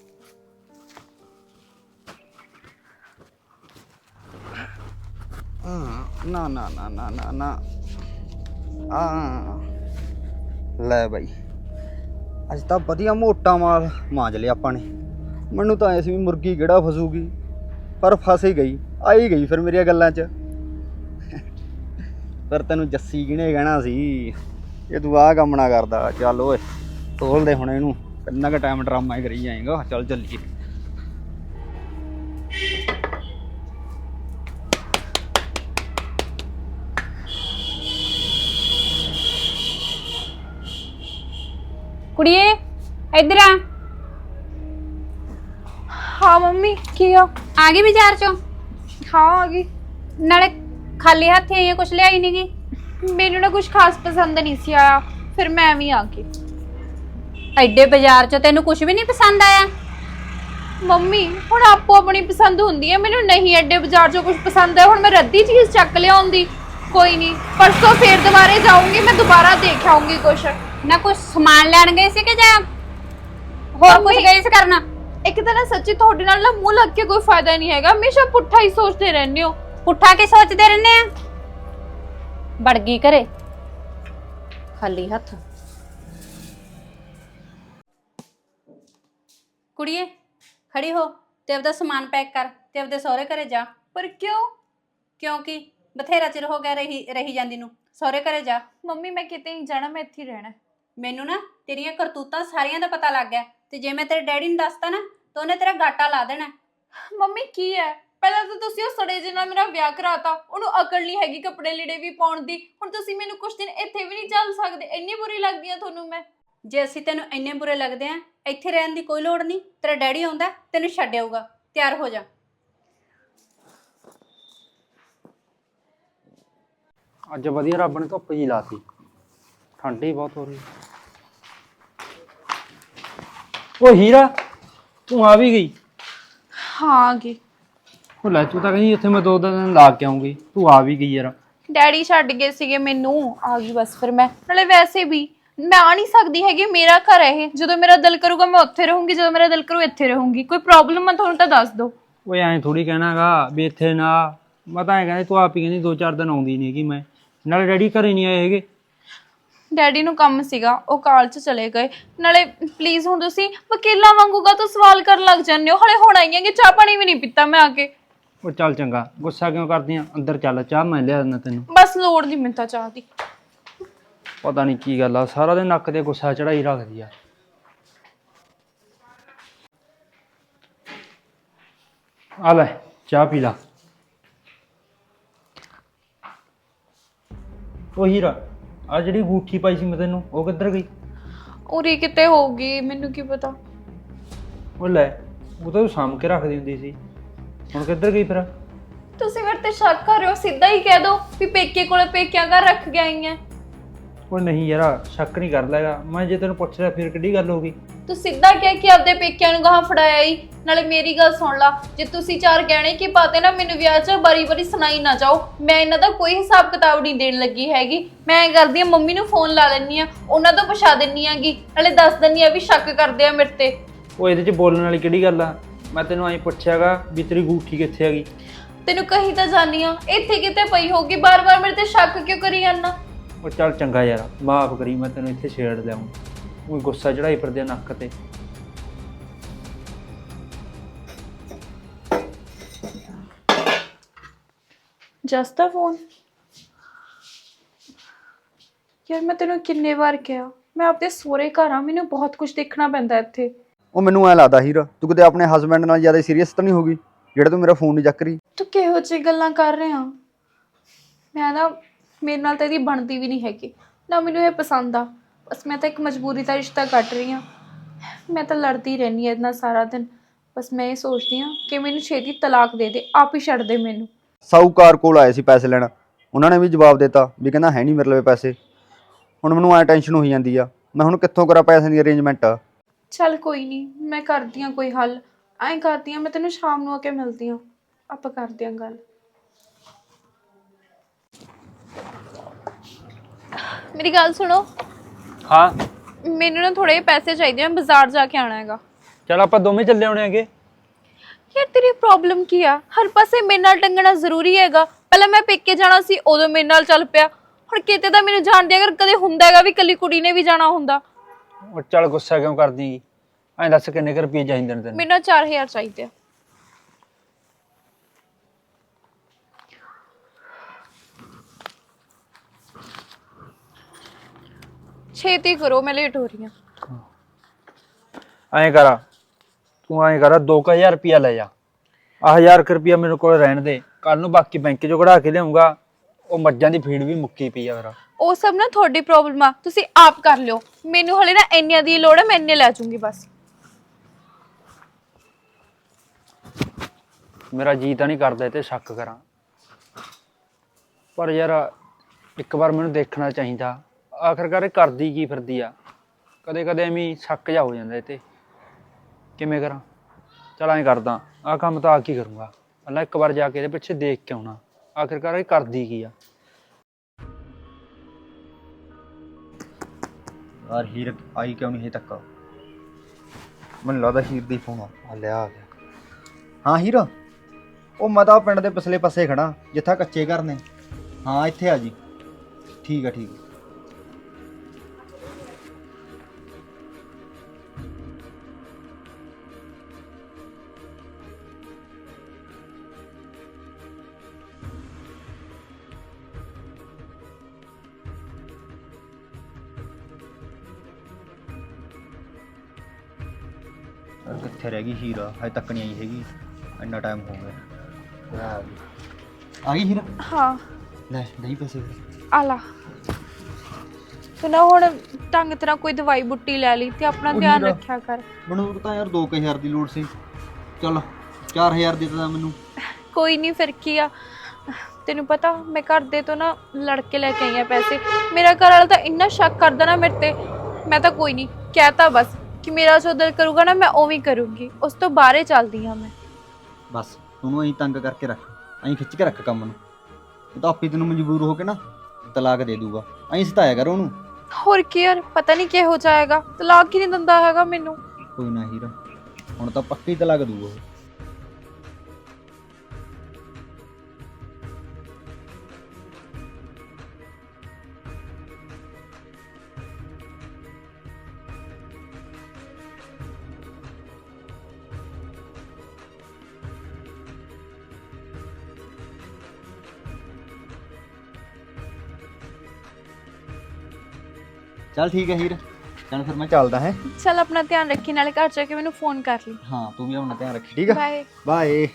[SPEAKER 4] ਨਾ ਨਾ ਨਾ ਨਾ ਨਾ ਨਾ ਆ ਲੈ ਬਾਈ ਅੱਜ ਤਾਂ ਵਧੀਆ ਮੋਟਾ ਮਾਲ ਮਾਂਜ ਲਿਆ ਆਪਾਂ ਨੇ। ਮੈਨੂੰ ਤਾਂ ਐ ਸੀ ਵੀ ਮੁਰਗੀ ਕਿਹੜਾ ਫਸੂਗੀ ਪਰ ਫਸ ਹੀ ਗਈ ਆ ਹੀ ਗਈ ਫਿਰ ਮੇਰੀਆਂ ਗੱਲਾਂ 'ਚ। ਪਰ ਤੈਨੂੰ ਜੱਸੀ ਕਿਹਨੇ ਕਹਿਣਾ ਸੀ ਇਹ ਤੂੰ ਆਹ ਕੰਮ ਨਾ ਕਰਦਾ। ਚੱਲ ਓਏ ਤੋਲ ਦੇ ਹੁਣ ਇਹਨੂੰ ਕਿੰਨਾ ਕੁ ਟਾਈਮ ਡਰਾਮਾ ਹੀ ਕਰੀ ਜਾਏਗਾ। ਚੱਲ ਚੱਲੀਏ।
[SPEAKER 5] ਕੁੜੀਏ ਇੱਧਰ ਆ
[SPEAKER 2] ਹਾਂ ਮੰਮੀ ਕੀ ਆ
[SPEAKER 5] ਆ ਗਈ ਬਾਜ਼ਾਰ ਚੋਂ
[SPEAKER 2] ਹਾਂ ਆ ਗਈ।
[SPEAKER 5] ਨਾਲੇ ਖਾਲੀ ਹੱਥ ਆਈ ਕੁਝ ਲਿਆਈ ਨਹੀਂ ਗਈ
[SPEAKER 2] ਮੈਨੂੰ ਨਾ ਕੁਝ ਖਾਸ ਪਸੰਦ ਨਹੀਂ ਸੀ ਆਇਆ ਫਿਰ ਮੈਂ ਵੀ ਆ ਗਈ।
[SPEAKER 5] ਐਡੇ ਬਾਜ਼ਾਰ ਚੋਂ ਤੈਨੂੰ ਕੁਝ ਵੀ ਨਹੀਂ ਪਸੰਦ ਆਇਆ
[SPEAKER 2] ਮੰਮੀ ਹੁਣ ਆਪੋ ਆਪਣੀ ਪਸੰਦ ਹੁੰਦੀ ਹੈ ਮੈਨੂੰ ਨਹੀਂ ਐਡੇ ਬਾਜ਼ਾਰ 'ਚੋਂ ਕੁਝ ਪਸੰਦ ਹੈ ਹੁਣ ਮੈਂ ਰੱਦੀ ਚੀਜ਼ ਚੱਕ ਲਿਆਉਂਦੀ। ਕੋਈ ਨਹੀਂ ਪਰਸੋਂ ਫੇਰ ਦੁਬਾਰੇ ਜਾਊਂਗੀ ਮੈਂ ਦੁਬਾਰਾ ਦੇਖ ਆਉਂਗੀ ਕੁਛ
[SPEAKER 5] ਨਾ ਕੁਝ ਸਮਾਨ ਲੈਣ ਗਏ ਸੀ ਕਿ ਜਾਂ ਹੋਰ ਕੁਝ ਗਏ ਸੀ ਕਰਨਾ।
[SPEAKER 2] ਇੱਕ ਤਾਂ ਨਾ ਸੱਚੀ ਤੁਹਾਡੇ ਨਾਲ ਨਾ ਮੂੰਹ ਲੱਗ ਕੇ ਕੋਈ ਫਾਇਦਾ ਨਹੀਂ ਹੈਗਾ ਹਮੇਸ਼ਾ ਪੁੱਠਾ ਹੀ ਸੋਚਦੇ ਰਹਿੰਦੇ ਹੋ।
[SPEAKER 5] ਪੁੱਠਾ ਕੀ ਸੋਚਦੇ ਰਹਿੰਦੇ ਆ ਵੜ ਗਈ ਘਰੇ ਖਾਲੀ ਹੱਥ। ਕੁੜੀਏ ਖੜੀ ਹੋ ਤੇ ਆਪਦਾ ਸਮਾਨ ਪੈਕ ਕਰ ਤੇ ਆਪਦੇ ਸਹੁਰੇ ਘਰੇ ਜਾ।
[SPEAKER 2] ਪਰ ਕਿਉਂ?
[SPEAKER 5] ਕਿਉਂਕਿ ਬਥੇਰਾ ਚਿਰ ਹੋ ਗਿਆ ਰਹੀ ਜਾਂਦੀ ਨੂੰ। ਸਹੁਰੇ ਘਰੇ ਜਾ।
[SPEAKER 2] ਮੰਮੀ ਮੈਂ ਕਿਤੇ ਨਹੀਂ ਜਾਣਾ, ਮੈਂ ਇੱਥੇ ਹੀ ਰਹਿਣਾ।
[SPEAKER 5] ਮੈਨੂੰ ਨਾ ਤੇਰੀਆਂ ਕਰਤੂਤਾਂ ਸਾਰੀਆਂ ਦਾ ਪਤਾ ਲੱਗ ਗਿਆ ਤੇ ਜੇ ਮੈਂ ਤੇਰੇ ਡੈਡੀ ਨੂੰ ਦੱਸਤਾ ਨਾ ਤਾਂ ਉਹਨੇ ਤੇਰਾ ਗਾਟਾ ਲਾ ਦੇਣਾ।
[SPEAKER 2] ਮੰਮੀ ਕੀ ਹੈ, ਪਹਿਲਾਂ ਤਾਂ ਤੁਸੀਂ ਉਹ ਸੜੇ ਜਿਹੇ ਨਾਲ ਮੇਰਾ ਵਿਆਹ ਕਰਾਤਾ, ਉਹਨੂੰ ਅਕਲ ਨਹੀਂ ਹੈਗੀ ਕੱਪੜੇ ਲੀੜੇ ਵੀ ਪਾਉਣ ਦੀ। ਹੁਣ ਤੁਸੀਂ ਮੈਨੂੰ ਕੁਛ ਦਿਨ ਇੱਥੇ ਵੀ ਨਹੀਂ ਚੱਲ ਸਕਦੇ, ਇੰਨੀ ਬੁਰੀ ਲੱਗਦੀ ਆ ਤੁਹਾਨੂੰ ਮੈਂ।
[SPEAKER 5] ਜੇ ਅਸੀਂ ਤੈਨੂੰ ਇੰਨੇ ਬੁਰੇ ਲੱਗਦੇ ਆ, ਇੱਥੇ ਰਹਿਣ ਦੀ ਕੋਈ ਲੋੜ ਨਹੀਂ। ਤੇਰਾ ਡੈਡੀ ਆਉਂਦਾ ਤੈਨੂੰ ਛੱਡ ਆਊਗਾ। ਤਿਆਰ ਹੋ ਜਾ।
[SPEAKER 3] ਅੱਜ ਵਧੀਆ ਰੱਬ ਨੇ ਧੁੱਪ ਜੀ ਲਾਤੀ, ਠੰਡ ਹੀ ਬਹੁਤ ਹੋ ਰਹੀ। ਉਹ ਹੀਰਾ, ਤੂੰ ਆ ਵੀ ਗਈ?
[SPEAKER 2] ਹਾਂ ਆ ਗਈ।
[SPEAKER 3] ਉਹ ਲੈ, ਤੂੰ ਤਾਂ ਕਹਿੰਦੀ ਉੱਥੇ ਮੈਂ 2 ਦਿਨ ਲਾ ਕੇ ਆਉਂਗੀ, ਤੂੰ ਆ ਵੀ ਗਈ ਯਾਰ।
[SPEAKER 2] ਡੈਡੀ ਛੱਡ ਗਏ ਸੀਗੇ ਮੈਨੂੰ, ਆ ਗਈ ਬਸ। ਫਿਰ ਮੈਂ ਨਾਲੇ ਵੈਸੇ ਵੀ ਮੈਂ ਆ ਨਹੀਂ ਸਕਦੀ ਹੈਗੀ, ਮੇਰਾ ਘਰ ਹੈ ਇਹ। ਜਦੋਂ ਮੇਰਾ ਦਿਲ ਕਰੂਗਾ ਮੈਂ ਉੱਥੇ ਰਹੂੰਗੀ, ਜਦੋਂ ਮੇਰਾ ਦਿਲ ਕਰੂ ਇੱਥੇ ਰਹੂੰਗੀ। ਕੋਈ ਪ੍ਰੋਬਲਮ ਆ ਤੁਹਾਨੂੰ ਤਾਂ ਦੱਸ ਦਿਓ।
[SPEAKER 3] ਓਏ ਐਂ ਥੋੜੀ ਕਹਿਣਾਗਾ ਵੀ ਇੱਥੇ ਨਾ, ਮੈਂ ਤਾਂ ਐਂ ਕਹਿੰਦੀ ਤੂੰ ਆਪ ਹੀ ਕਹਿੰਦੀ 2-4 ਦਿਨ ਆਉਂਦੀ ਨਹੀਂ ਹੈਗੀ। ਮੈਂ ਨਾਲੇ ਡੈਡੀ ਘਰੇ ਨਹੀਂ ਆਏ ਹੈਗੇ।
[SPEAKER 2] ਡੈਡੀ ਨੂੰ ਕੰਮ ਸੀਗਾ, ਉਹ ਕਾਲ 'ਚ ਚਲੇ ਗਏ। ਨਾਲੇ ਪਲੀਜ਼ ਹੁਣ ਤੁਸੀਂ ਵਕੀਲਾਂ ਵਾਂਗੂਗਾ ਤਾਂ ਸਵਾਲ ਕਰਨ ਲੱਗ ਜਾਂਦੇ ਹੋ। ਹਲੇ ਹੁਣ ਆਈਆਂ ਕਿ ਚਾਹ ਪਾਣੀ ਵੀ ਨਹੀਂ ਪੀਤਾ ਮੈਂ ਆ ਕੇ।
[SPEAKER 3] ਉਹ ਚੱਲ ਚੰਗਾ, ਗੁੱਸਾ ਕਿਉਂ ਕਰਦੀ ਆ? ਅੰਦਰ ਚੱਲ, ਚਾਹ ਮੈਂ ਲਿਆ ਦਿੰਦਾ ਤੈਨੂੰ।
[SPEAKER 2] ਬਸ ਲੋੜ ਨਹੀਂ ਮੈਨੂੰ ਤਾਂ ਚਾਹ ਦੀ।
[SPEAKER 3] ਪਤਾ ਨਹੀਂ ਕੀ ਗੱਲ ਆ, ਸਾਰਾ ਦਿਨ ਨੱਕ ਤੇ ਗੁੱਸਾ ਚੜਾਈ ਰੱਖਦੀ ਆ। ਆ ਲੈ ਚਾਹ ਪੀ ਲਾ। ਉਹ ਹੀਰਾ, ਆ ਜਿਹੜੀ ਅੰਗੂਠੀ ਪਾਈ ਸੀ ਮੈਂ ਤੈਨੂੰ, ਉਹ ਕਿੱਧਰ ਗਈ?
[SPEAKER 2] ਉਰੀ ਕਿਤੇ ਹੋਊਗੀ, ਮੈਨੂੰ ਕੀ ਪਤਾ।
[SPEAKER 3] ਉਹ ਲੈ, ਉਹ ਤਾਂ ਤੂੰ ਸਾਂਭ ਕੇ ਰੱਖਦੀ ਹੁੰਦੀ ਸੀ, ਹੁਣ ਕਿੱਧਰ ਗਈ ਫਿਰ?
[SPEAKER 2] ਤੁਸੀਂ ਮੇਰੇ ਤੇ ਸ਼ੱਕ ਕਰ ਰਹੇ ਹੋ, ਸਿੱਧਾ ਹੀ ਕਹਿ ਦਿਓ ਵੀ ਪੇਕੇ ਕੋਲੇ ਪੇਕਿਆਂ ਘਰ ਰੱਖ ਕੇ ਆਈ ਐ।
[SPEAKER 3] ਉਹ ਨਹੀਂ ਯਾਰ, ਸ਼ੱਕ ਨਹੀਂ ਕਰਦਾ ਹੈਗਾ ਮੈਂ। ਜੇ ਤੈਨੂੰ ਪੁੱਛ ਰਿਹਾ ਫਿਰ ਕਿਹੜੀ ਗੱਲ ਹੋ ਗਈ?
[SPEAKER 2] ਤੂੰ ਸਿੱਧਾ ਕਹਿ ਕਿ ਆਪਦੇ ਪੇਕਿਆਂ ਨੂੰ ਗਾਹਾਂ ਫੜਾਇਆ ਹੀ। ਨਾਲੇ ਮੇਰੀ ਗੱਲ ਸੁਣ ਲਾ, ਜੇ ਤੁਸੀਂ 4 ਗਹਿਣੇ ਕੀ ਪਾਤੇ ਨਾ ਮੈਨੂੰ ਵਿਆਹ 'ਚ, ਬਾਰੀ ਸੁਣਾਈ ਨਾ ਜਾਓ। ਮੈਂ ਇਹਨਾਂ ਦਾ ਕੋਈ ਹਿਸਾਬ ਕਿਤਾਬ ਨਹੀਂ ਦੇਣ ਲੱਗੀ ਹੈਗੀ। ਮੈਂ ਐਂ ਕਰਦੀ ਆ, ਮੰਮੀ ਨੂੰ ਫੋਨ ਲਾ ਲੈਂਦੀ ਆ, ਉਹਨਾਂ ਤੋਂ ਪੁੱਛਾ ਦਿੰਨੀ ਆਗੀ। ਨਾਲੇ ਦੱਸ ਦਿੰਨੀ ਆ ਵੀ ਸ਼ੱਕ ਕਰਦੇ ਆ ਮੇਰੇ ਤੇ।
[SPEAKER 3] ਉਹ ਇਹਦੇ 'ਚ ਬੋਲਣ ਵਾਲੀ ਕਿਹੜੀ ਗੱਲ ਆ? ਮੈਂ ਤੈਨੂੰ ਐਂ ਪੁੱਛਿਆਗਾ ਵੀ ਤੇਰੀ ਅੰਗੂਠੀ ਕਿੱਥੇ ਹੈਗੀ?
[SPEAKER 2] ਤੈਨੂੰ ਕਹੀ ਤਾਂ ਜਾਨੀ ਆ, ਇੱਥੇ ਕਿਤੇ ਪਈ ਹੋਊਗੀ। ਬਾਰ-ਬਾਰ ਮੇਰੇ ਤੇ ਸ਼ੱਕ ਕਿਉਂ ਕਰੀ ਜਾਂਦਾ?
[SPEAKER 3] ਉਹ ਚੱਲ ਚੰਗਾ ਯਾਰ, ਮਾਫ ਕਰੀ, ਮੈਂ ਤੈਨੂੰ ਇੱਥੇ ਛੇੜ ਲਿਆਉਂ। ਉਹ ਗੁੱਸਾ ਚੜਾਈ ਫਿਰਦੇ ਨੱਕ ਤੇ।
[SPEAKER 2] ਜਸ ਦਾ ਫੋਨ। ਯਾਰ ਮੈਂ ਤੈਨੂੰ ਕਿੰਨੇ ਵਾਰ ਕਿਹਾ, ਮੈਂ ਆਪਣੇ ਸਹੁਰੇ ਘਰ ਆ, ਮੈਨੂੰ ਬਹੁਤ ਕੁਝ ਦੇਖਣਾ ਪੈਂਦਾ ਇੱਥੇ।
[SPEAKER 4] ਉਹ ਮੈਨੂੰ ਐ ਲੱਗਦਾ ਹੀਰਾ, ਤੂੰ ਕਿਤੇ ਆਪਣੇ ਹਸਬੈਂਡ ਨਾਲ ਜ਼ਿਆਦਾ ਸੀਰੀਅਸ ਤਾਂ ਨਹੀਂ ਹੋ ਗਈ ਜਿਹੜਾ ਤੂੰ ਮੇਰਾ ਫੋਨ ਨਹੀਂ ਚੱਕ ਰਹੀ?
[SPEAKER 2] ਤੂੰ ਕਿਹੋ ਜਿਹੀ ਗੱਲਾਂ ਕਰ ਰਿਹਾ? ਮੈਂ ਨਾ, ਮੇਰੇ ਨਾਲ ਤਾਂ ਇਹਦੀ ਬਣਦੀ ਵੀ ਨਹੀਂ ਹੈਗੀ ਨਾ, ਮੈਨੂੰ ਇਹ ਪਸੰਦ ਆ। ਬਸ ਮੈਂ ਤਾਂ ਇੱਕ ਮਜਬੂਰੀ ਦਾ ਰਿਸ਼ਤਾ ਕੱਟ ਰਹੀ ਹਾਂ। ਮੈਂ ਤਾਂ ਲੜਦੀ ਰਹਿੰਦੀ ਹਾਂ ਇਹਦੇ ਨਾਲ ਸਾਰਾ ਦਿਨ। ਬਸ ਮੈਂ ਇਹ ਸੋਚਦੀ ਹਾਂ ਕਿ ਮੈਨੂੰ ਛੇਤੀ ਤਲਾਕ ਦੇ ਦੇ, ਆਪ ਹੀ ਛੱਡ ਦੇ ਮੈਨੂੰ।
[SPEAKER 4] ਸਾਹੂਕਾਰ ਕੋਲ ਆਏ ਸੀ ਪੈਸੇ ਲੈਣ, ਉਹਨਾਂ ਨੇ ਵੀ ਜਵਾਬ ਦਿੱਤਾ ਵੀ ਕਹਿੰਦਾ ਹੈ ਨਹੀਂ ਮੇਰੇ ਲਵੇ ਪੈਸੇ। ਹੁਣ ਮੈਨੂੰ ਐ ਟੈਨਸ਼ਨ ਹੋਈ ਜਾਂਦੀ ਆ, ਮੈਂ ਹੁਣ ਕਿੱਥੋਂ ਕਰਾਂ ਪੈਸਿਆਂ ਦੀ ਅਰੇਂਜਮੈਂਟ?
[SPEAKER 2] ਚੱਲ ਕੋਈ ਨਹੀਂ, ਮੈਂ ਕਰਦੀ ਹਾਂ ਕੋਈ ਹੱਲ। ਐਂ ਕਰਦੀ ਹਾਂ, ਮੈਂ ਤੈਨੂੰ ਸ਼ਾਮ ਨੂੰ ਆ ਕੇ ਮਿਲਦੀ ਹਾਂ, ਆਪਾਂ ਕਰਦੇ ਹਾਂ ਗੱਲ। ਮੇਰੀ ਗੱਲ ਸੁਣੋ।
[SPEAKER 3] ਹਾਂ
[SPEAKER 2] ਮੈਨੂੰ ਨਾ ਥੋੜੇ ਪੈਸੇ ਚਾਹੀਦੇ ਆ, ਬਾਜ਼ਾਰ ਜਾ ਕੇ ਆਉਣਾ ਹੈਗਾ।
[SPEAKER 3] ਚੱਲ ਆਪਾਂ ਦੋਵੇਂ ਚੱਲੇ ਆਉਣੇ ਹੈਗੇ।
[SPEAKER 2] ਯਾਰ ਤੇਰੀ ਪ੍ਰੋਬਲਮ ਕੀ ਆ? ਹਰ ਪਾਸੇ ਮੇਰੇ ਨਾਲ ਟੰਗਣਾ ਜ਼ਰੂਰੀ ਹੈਗਾ? ਪਹਿਲਾਂ ਮੈਂ ਪੇਕੇ ਜਾਣਾ ਸੀ, ਉਦੋਂ ਮੇਰੇ ਨਾਲ ਚੱਲ ਪਿਆ। ਹੁਣ ਕਿਤੇ ਤਾਂ ਮੈਨੂੰ ਜਾਣਦੇ, ਅਗਰ ਕਦੇ ਹੁੰਦਾ ਹੈਗਾ ਵੀ ਇਕੱਲੀ ਕੁੜੀ ਨੇ ਵੀ ਜਾਣਾ ਹੁੰਦਾ।
[SPEAKER 3] ਉਹ ਚੱਲ ਗੁੱਸਾ ਕਿਉਂ ਕਰਦੀ? ਐਂ ਦੱਸ ਕਿੰਨੇ ਕੁ ਰੁਪਏ ਚਾਹੀਦੇ ਨੇ ਤੈਨੂੰ?
[SPEAKER 2] ਮੈਨੂੰ 4000 ਚਾਹੀਦੇ ਆ। ਛੇਤੀ ਕਰੋ, ਮੈਂ ਲੇਟ ਹੋ ਰਹੀ ਹਾਂ।
[SPEAKER 3] ਐਂ ਕਰ, ਤੂੰ ਐਂ ਕਰ 2000 ਰੁਪਇਆ ਲੈ ਜਾ। 1000 ਰੁਪਇਆ ਮੇਰੇ ਕੋਲ ਰਹਿਣ ਦੇ, ਕੱਲ ਨੂੰ ਬਾਕੀ ਬੈਂਕ 'ਚੋਂ ਕਢਾ ਕੇ ਲਿਆਉਂਗਾ। ਉਹ ਮੱਝਾਂ ਦੀ ਫੀਡ ਵੀ ਮੁੱਕੀ ਪਈ ਆ ਮੇਰਾ।
[SPEAKER 2] ਉਹ ਸਭ ਨਾ ਤੁਹਾਡੀ ਪ੍ਰੋਬਲਮ ਆ, ਤੁਸੀਂ ਆਪ ਕਰ ਲਿਓ। ਮੈਨੂੰ ਹਲੇ ਨਾ ਇੰਨਿਆਂ ਦੀ ਲੋੜ ਹੈ, ਮੈਂ ਇੰਨੇ ਲੈ ਜਾਊਂਗੀ ਬਸ।
[SPEAKER 3] ਮੇਰਾ ਜੀ ਤਾਂ ਨਹੀਂ ਕਰਦਾ ਇਹ ਤੇ ਸ਼ੱਕ ਕਰਾਂ, ਪਰ ਯਾਰ ਇੱਕ ਵਾਰ ਮੈਨੂੰ ਦੇਖਣਾ ਚਾਹੀਦਾ ਆਖਰਕਾਰ ਇਹ ਕਰਦੀ ਕੀ ਫਿਰਦੀ ਆ। ਕਦੇ ਕਦੇ ਐਵੇਂ ਸ਼ੱਕ ਜਾ ਹੋ ਜਾਂਦਾ ਇਹ ਤੇ, ਕਿਵੇਂ ਕਰਾਂ? ਚੱਲ ਐਂ ਕਰਦਾ, ਆਹ ਕੰਮ ਤਾਂ ਆ ਕੀ ਕਰੂੰਗਾ, ਪਹਿਲਾਂ ਇੱਕ ਵਾਰ ਜਾ ਕੇ ਇਹਦੇ ਪਿੱਛੇ ਦੇਖ ਕੇ ਆਉਣਾ ਆਖਰਕਾਰ ਇਹ ਕਰਦੀ ਕੀ ਆ।
[SPEAKER 4] ਯਾਰ ਹੀਰ ਆਈ ਕਿਉਂ ਨਹੀਂ ਹਜੇ ਤੱਕ? ਮੈਨੂੰ ਲੱਗਦਾ ਹੀਰ ਦੀ ਫੋਨ ਆ ਲਿਆ ਆ ਗਿਆ। ਹਾਂ ਹੀਰ, ਉਹ ਮੈਂ ਤਾਂ ਪਿੰਡ ਦੇ ਪਿਛਲੇ ਪਾਸੇ ਖੜਾ ਜਿੱਥਾ ਕੱਚੇ ਘਰ ਨੇ। ਹਾਂ ਇੱਥੇ ਆ ਜੀ। ਠੀਕ ਆ ਠੀਕ ਆ। ਕਿੱਥੇ ਰਹਿ ਗਈ ਹੀਰਾ, ਹਜੇ ਤੱਕ ਨਹੀਂ ਆਈ ਹੈਗੀ। ਇੰਨਾ ਟਾਈਮ ਹੋ ਗਿਆ। ਆ ਗਈ ਹੀਰਾ?
[SPEAKER 2] ਹਾਂ
[SPEAKER 4] ਲੈ ਨਹੀਂ ਪੈਸੇ।
[SPEAKER 2] ਆ ਲਾ ਤੂੰ ਨਾ ਹੁਣ ਢੰਗ ਤਰ੍ਹਾਂ ਕੋਈ ਦਵਾਈ ਬੁੱਟੀ ਲੈ ਲਈ ਤੇ ਆਪਣਾ
[SPEAKER 4] ਉਹੀ
[SPEAKER 2] ਧਿਆਨ
[SPEAKER 4] ਨਾ।
[SPEAKER 2] ਰੱਖਿਆ ਕਰ।
[SPEAKER 4] ਮੈਨੂੰ ਤਾਂ ਯਾਰ 2000 ਦੀ ਲੋੜ ਸੀ। ਚੱਲ 4000 ਦੇ ਤਾਂ ਮੈਨੂੰ।
[SPEAKER 2] ਕੋਈ ਨਹੀਂ ਫਿਰ ਕੀ ਆ, ਤੈਨੂੰ ਪਤਾ ਮੈਂ ਘਰ ਦੇ ਤੋਂ ਨਾ ਲੜ ਕੇ ਲੈ ਕੇ ਆਈ ਆ ਪੈਸੇ। ਮੇਰਾ ਘਰ ਵਾਲਾ ਤਾਂ ਇੰਨਾ ਸ਼ੱਕ ਕਰਦਾ ਨਾ ਮੇਰੇ ਤੇ, ਮੈਂ ਤਾਂ ਕੋਈ ਨਹੀਂ ਕਹਿਤਾ ਬਸ ਕਿ ਮੇਰਾ ਜੋ ਦਿਲ ਕਰੂਗਾ ਨਾ ਮੈਂ ਉਵੇਂ ਹੀ ਕਰੂੰਗੀ, ਉਸ ਤੋਂ ਬਾਹਰੇ ਚੱਲਦੀ ਹਾਂ ਮੈਂ।
[SPEAKER 4] ਬਸ ਉਹਨੂੰ ਐਂ ਤੰਗ ਕਰਕੇ ਰੱਖ, ਐਂ ਖਿੱਚ ਕੇ ਰੱਖ ਕੰਮ ਨੂੰ। ਉਹ ਤਾਂ ਆਪੇ ਤੈਨੂੰ ਮਜਬੂਰ ਹੋ ਕੇ ਨਾ ਤਲਾਕ ਦੇ ਦੂਗਾ। ਐਂ ਸਤਾਇਆ ਕਰ ਉਹਨੂੰ।
[SPEAKER 2] ਹੋਰ ਕੀ ਯਾਰ, ਪਤਾ ਨਹੀਂ ਕਿਹੋ ਜਾਏਗਾ, ਤਲਾਕ ਹੀ ਨਹੀਂ ਦਿੰਦਾ ਹੈਗਾ ਮੈਨੂੰ।
[SPEAKER 4] ਕੋਈ ਨਾ ਹੀਰਾ, ਹੁਣ ਤਾਂ ਪੱਕੀ ਤਲਾਕ ਦੂਗਾ ਉਹ। ਚੱਲ ਠੀਕ ਹੈ ਹੀਰ, ਚੱਲ ਫਿਰ ਮੈਂ ਚੱਲਦਾ ਹੈ।
[SPEAKER 2] ਚੱਲ ਆਪਣਾ ਧਿਆਨ ਰੱਖੀ, ਨਾਲੇ ਘਰ ਜਾ ਕੇ ਮੈਨੂੰ ਫੋਨ ਕਰ ਲਈ।
[SPEAKER 4] ਹਾਂ ਤੂੰ ਵੀ ਆਪਣਾ ਧਿਆਨ ਰੱਖੀ, ਠੀਕ ਹੈ?
[SPEAKER 2] ਬਾਏ।
[SPEAKER 4] ਬਾਏ।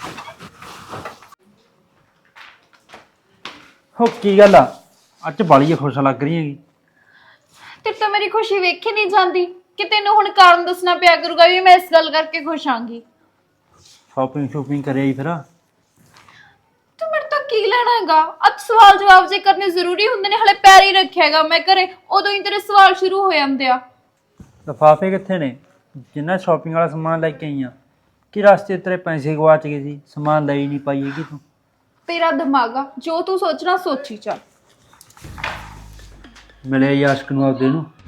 [SPEAKER 3] ਹੋ ਕੀ ਗੱਲ ਆ, ਅੱਜ ਬਾਲੀ ਖੁਸ਼ ਲੱਗ ਰਹੀ ਹੈਗੀ।
[SPEAKER 2] ਤੇ ਤਾਂ ਮੇਰੀ ਖੁਸ਼ੀ ਵੇਖੀ ਨਹੀਂ ਜਾਂਦੀ ਕਿ ਤੈਨੂੰ ਹੁਣ ਕਾਰਨ ਦੱਸਣਾ ਪਿਆ ਕਰੂਗਾ ਵੀ ਮੈਂ ਇਸ ਗੱਲ ਕਰਕੇ ਖੁਸ਼ ਆਂਗੀ।
[SPEAKER 3] ਸ਼ਾਪਿੰਗ ਕਰਿਆ ਹੀ ਫਿਰ।
[SPEAKER 2] ਤੂੰ ਮੇਰੇ ਤੋਂ ਕੀ ਲੈਣਾ ਹੈਗਾ? ਅੱਜ ਸਵਾਲ ਜਵਾਬ ਜੇ ਕਰਨੇ ਜ਼ਰੂਰੀ ਹੁੰਦੇ ਨੇ, ਹਲੇ ਪੈਰ ਹੀ ਰੱਖਿਆ ਹੈਗਾ ਮੈਂ ਘਰੇ, ਉਦੋਂ ਹੀ ਤੇਰੇ ਸਵਾਲ ਸ਼ੁਰੂ ਹੋ ਜਾਂਦੇ ਆ।
[SPEAKER 3] ਲਿਫਾਫੇ ਕਿੱਥੇ ਨੇ ਜਿੰਨਾ ਸ਼ਾਪਿੰਗ ਵਾਲਾ ਸਮਾਨ ਲੈ ਕੇ ਆਈ ਆ? ਕਿ ਰਸਤੇ ਤੇਰੇ ਪੈਸੇ ਗਵਾਚ ਗਏ ਸੀ, ਸਮਾਨ ਲੈ ਹੀ ਨਹੀਂ ਪਾਈ ਹੈਗੀ ਤੂੰ?
[SPEAKER 2] ਤੇਰਾ ਦਿਮਾਗ ਆ, ਜੋ ਤੂੰ ਸੋਚਣਾ ਸੋਚੀ ਚੱਲ।
[SPEAKER 3] ਮਿਲਿਆ ਆਸ਼ਕ ਨੂੰ ਆਪਦੇ ਨੂੰ।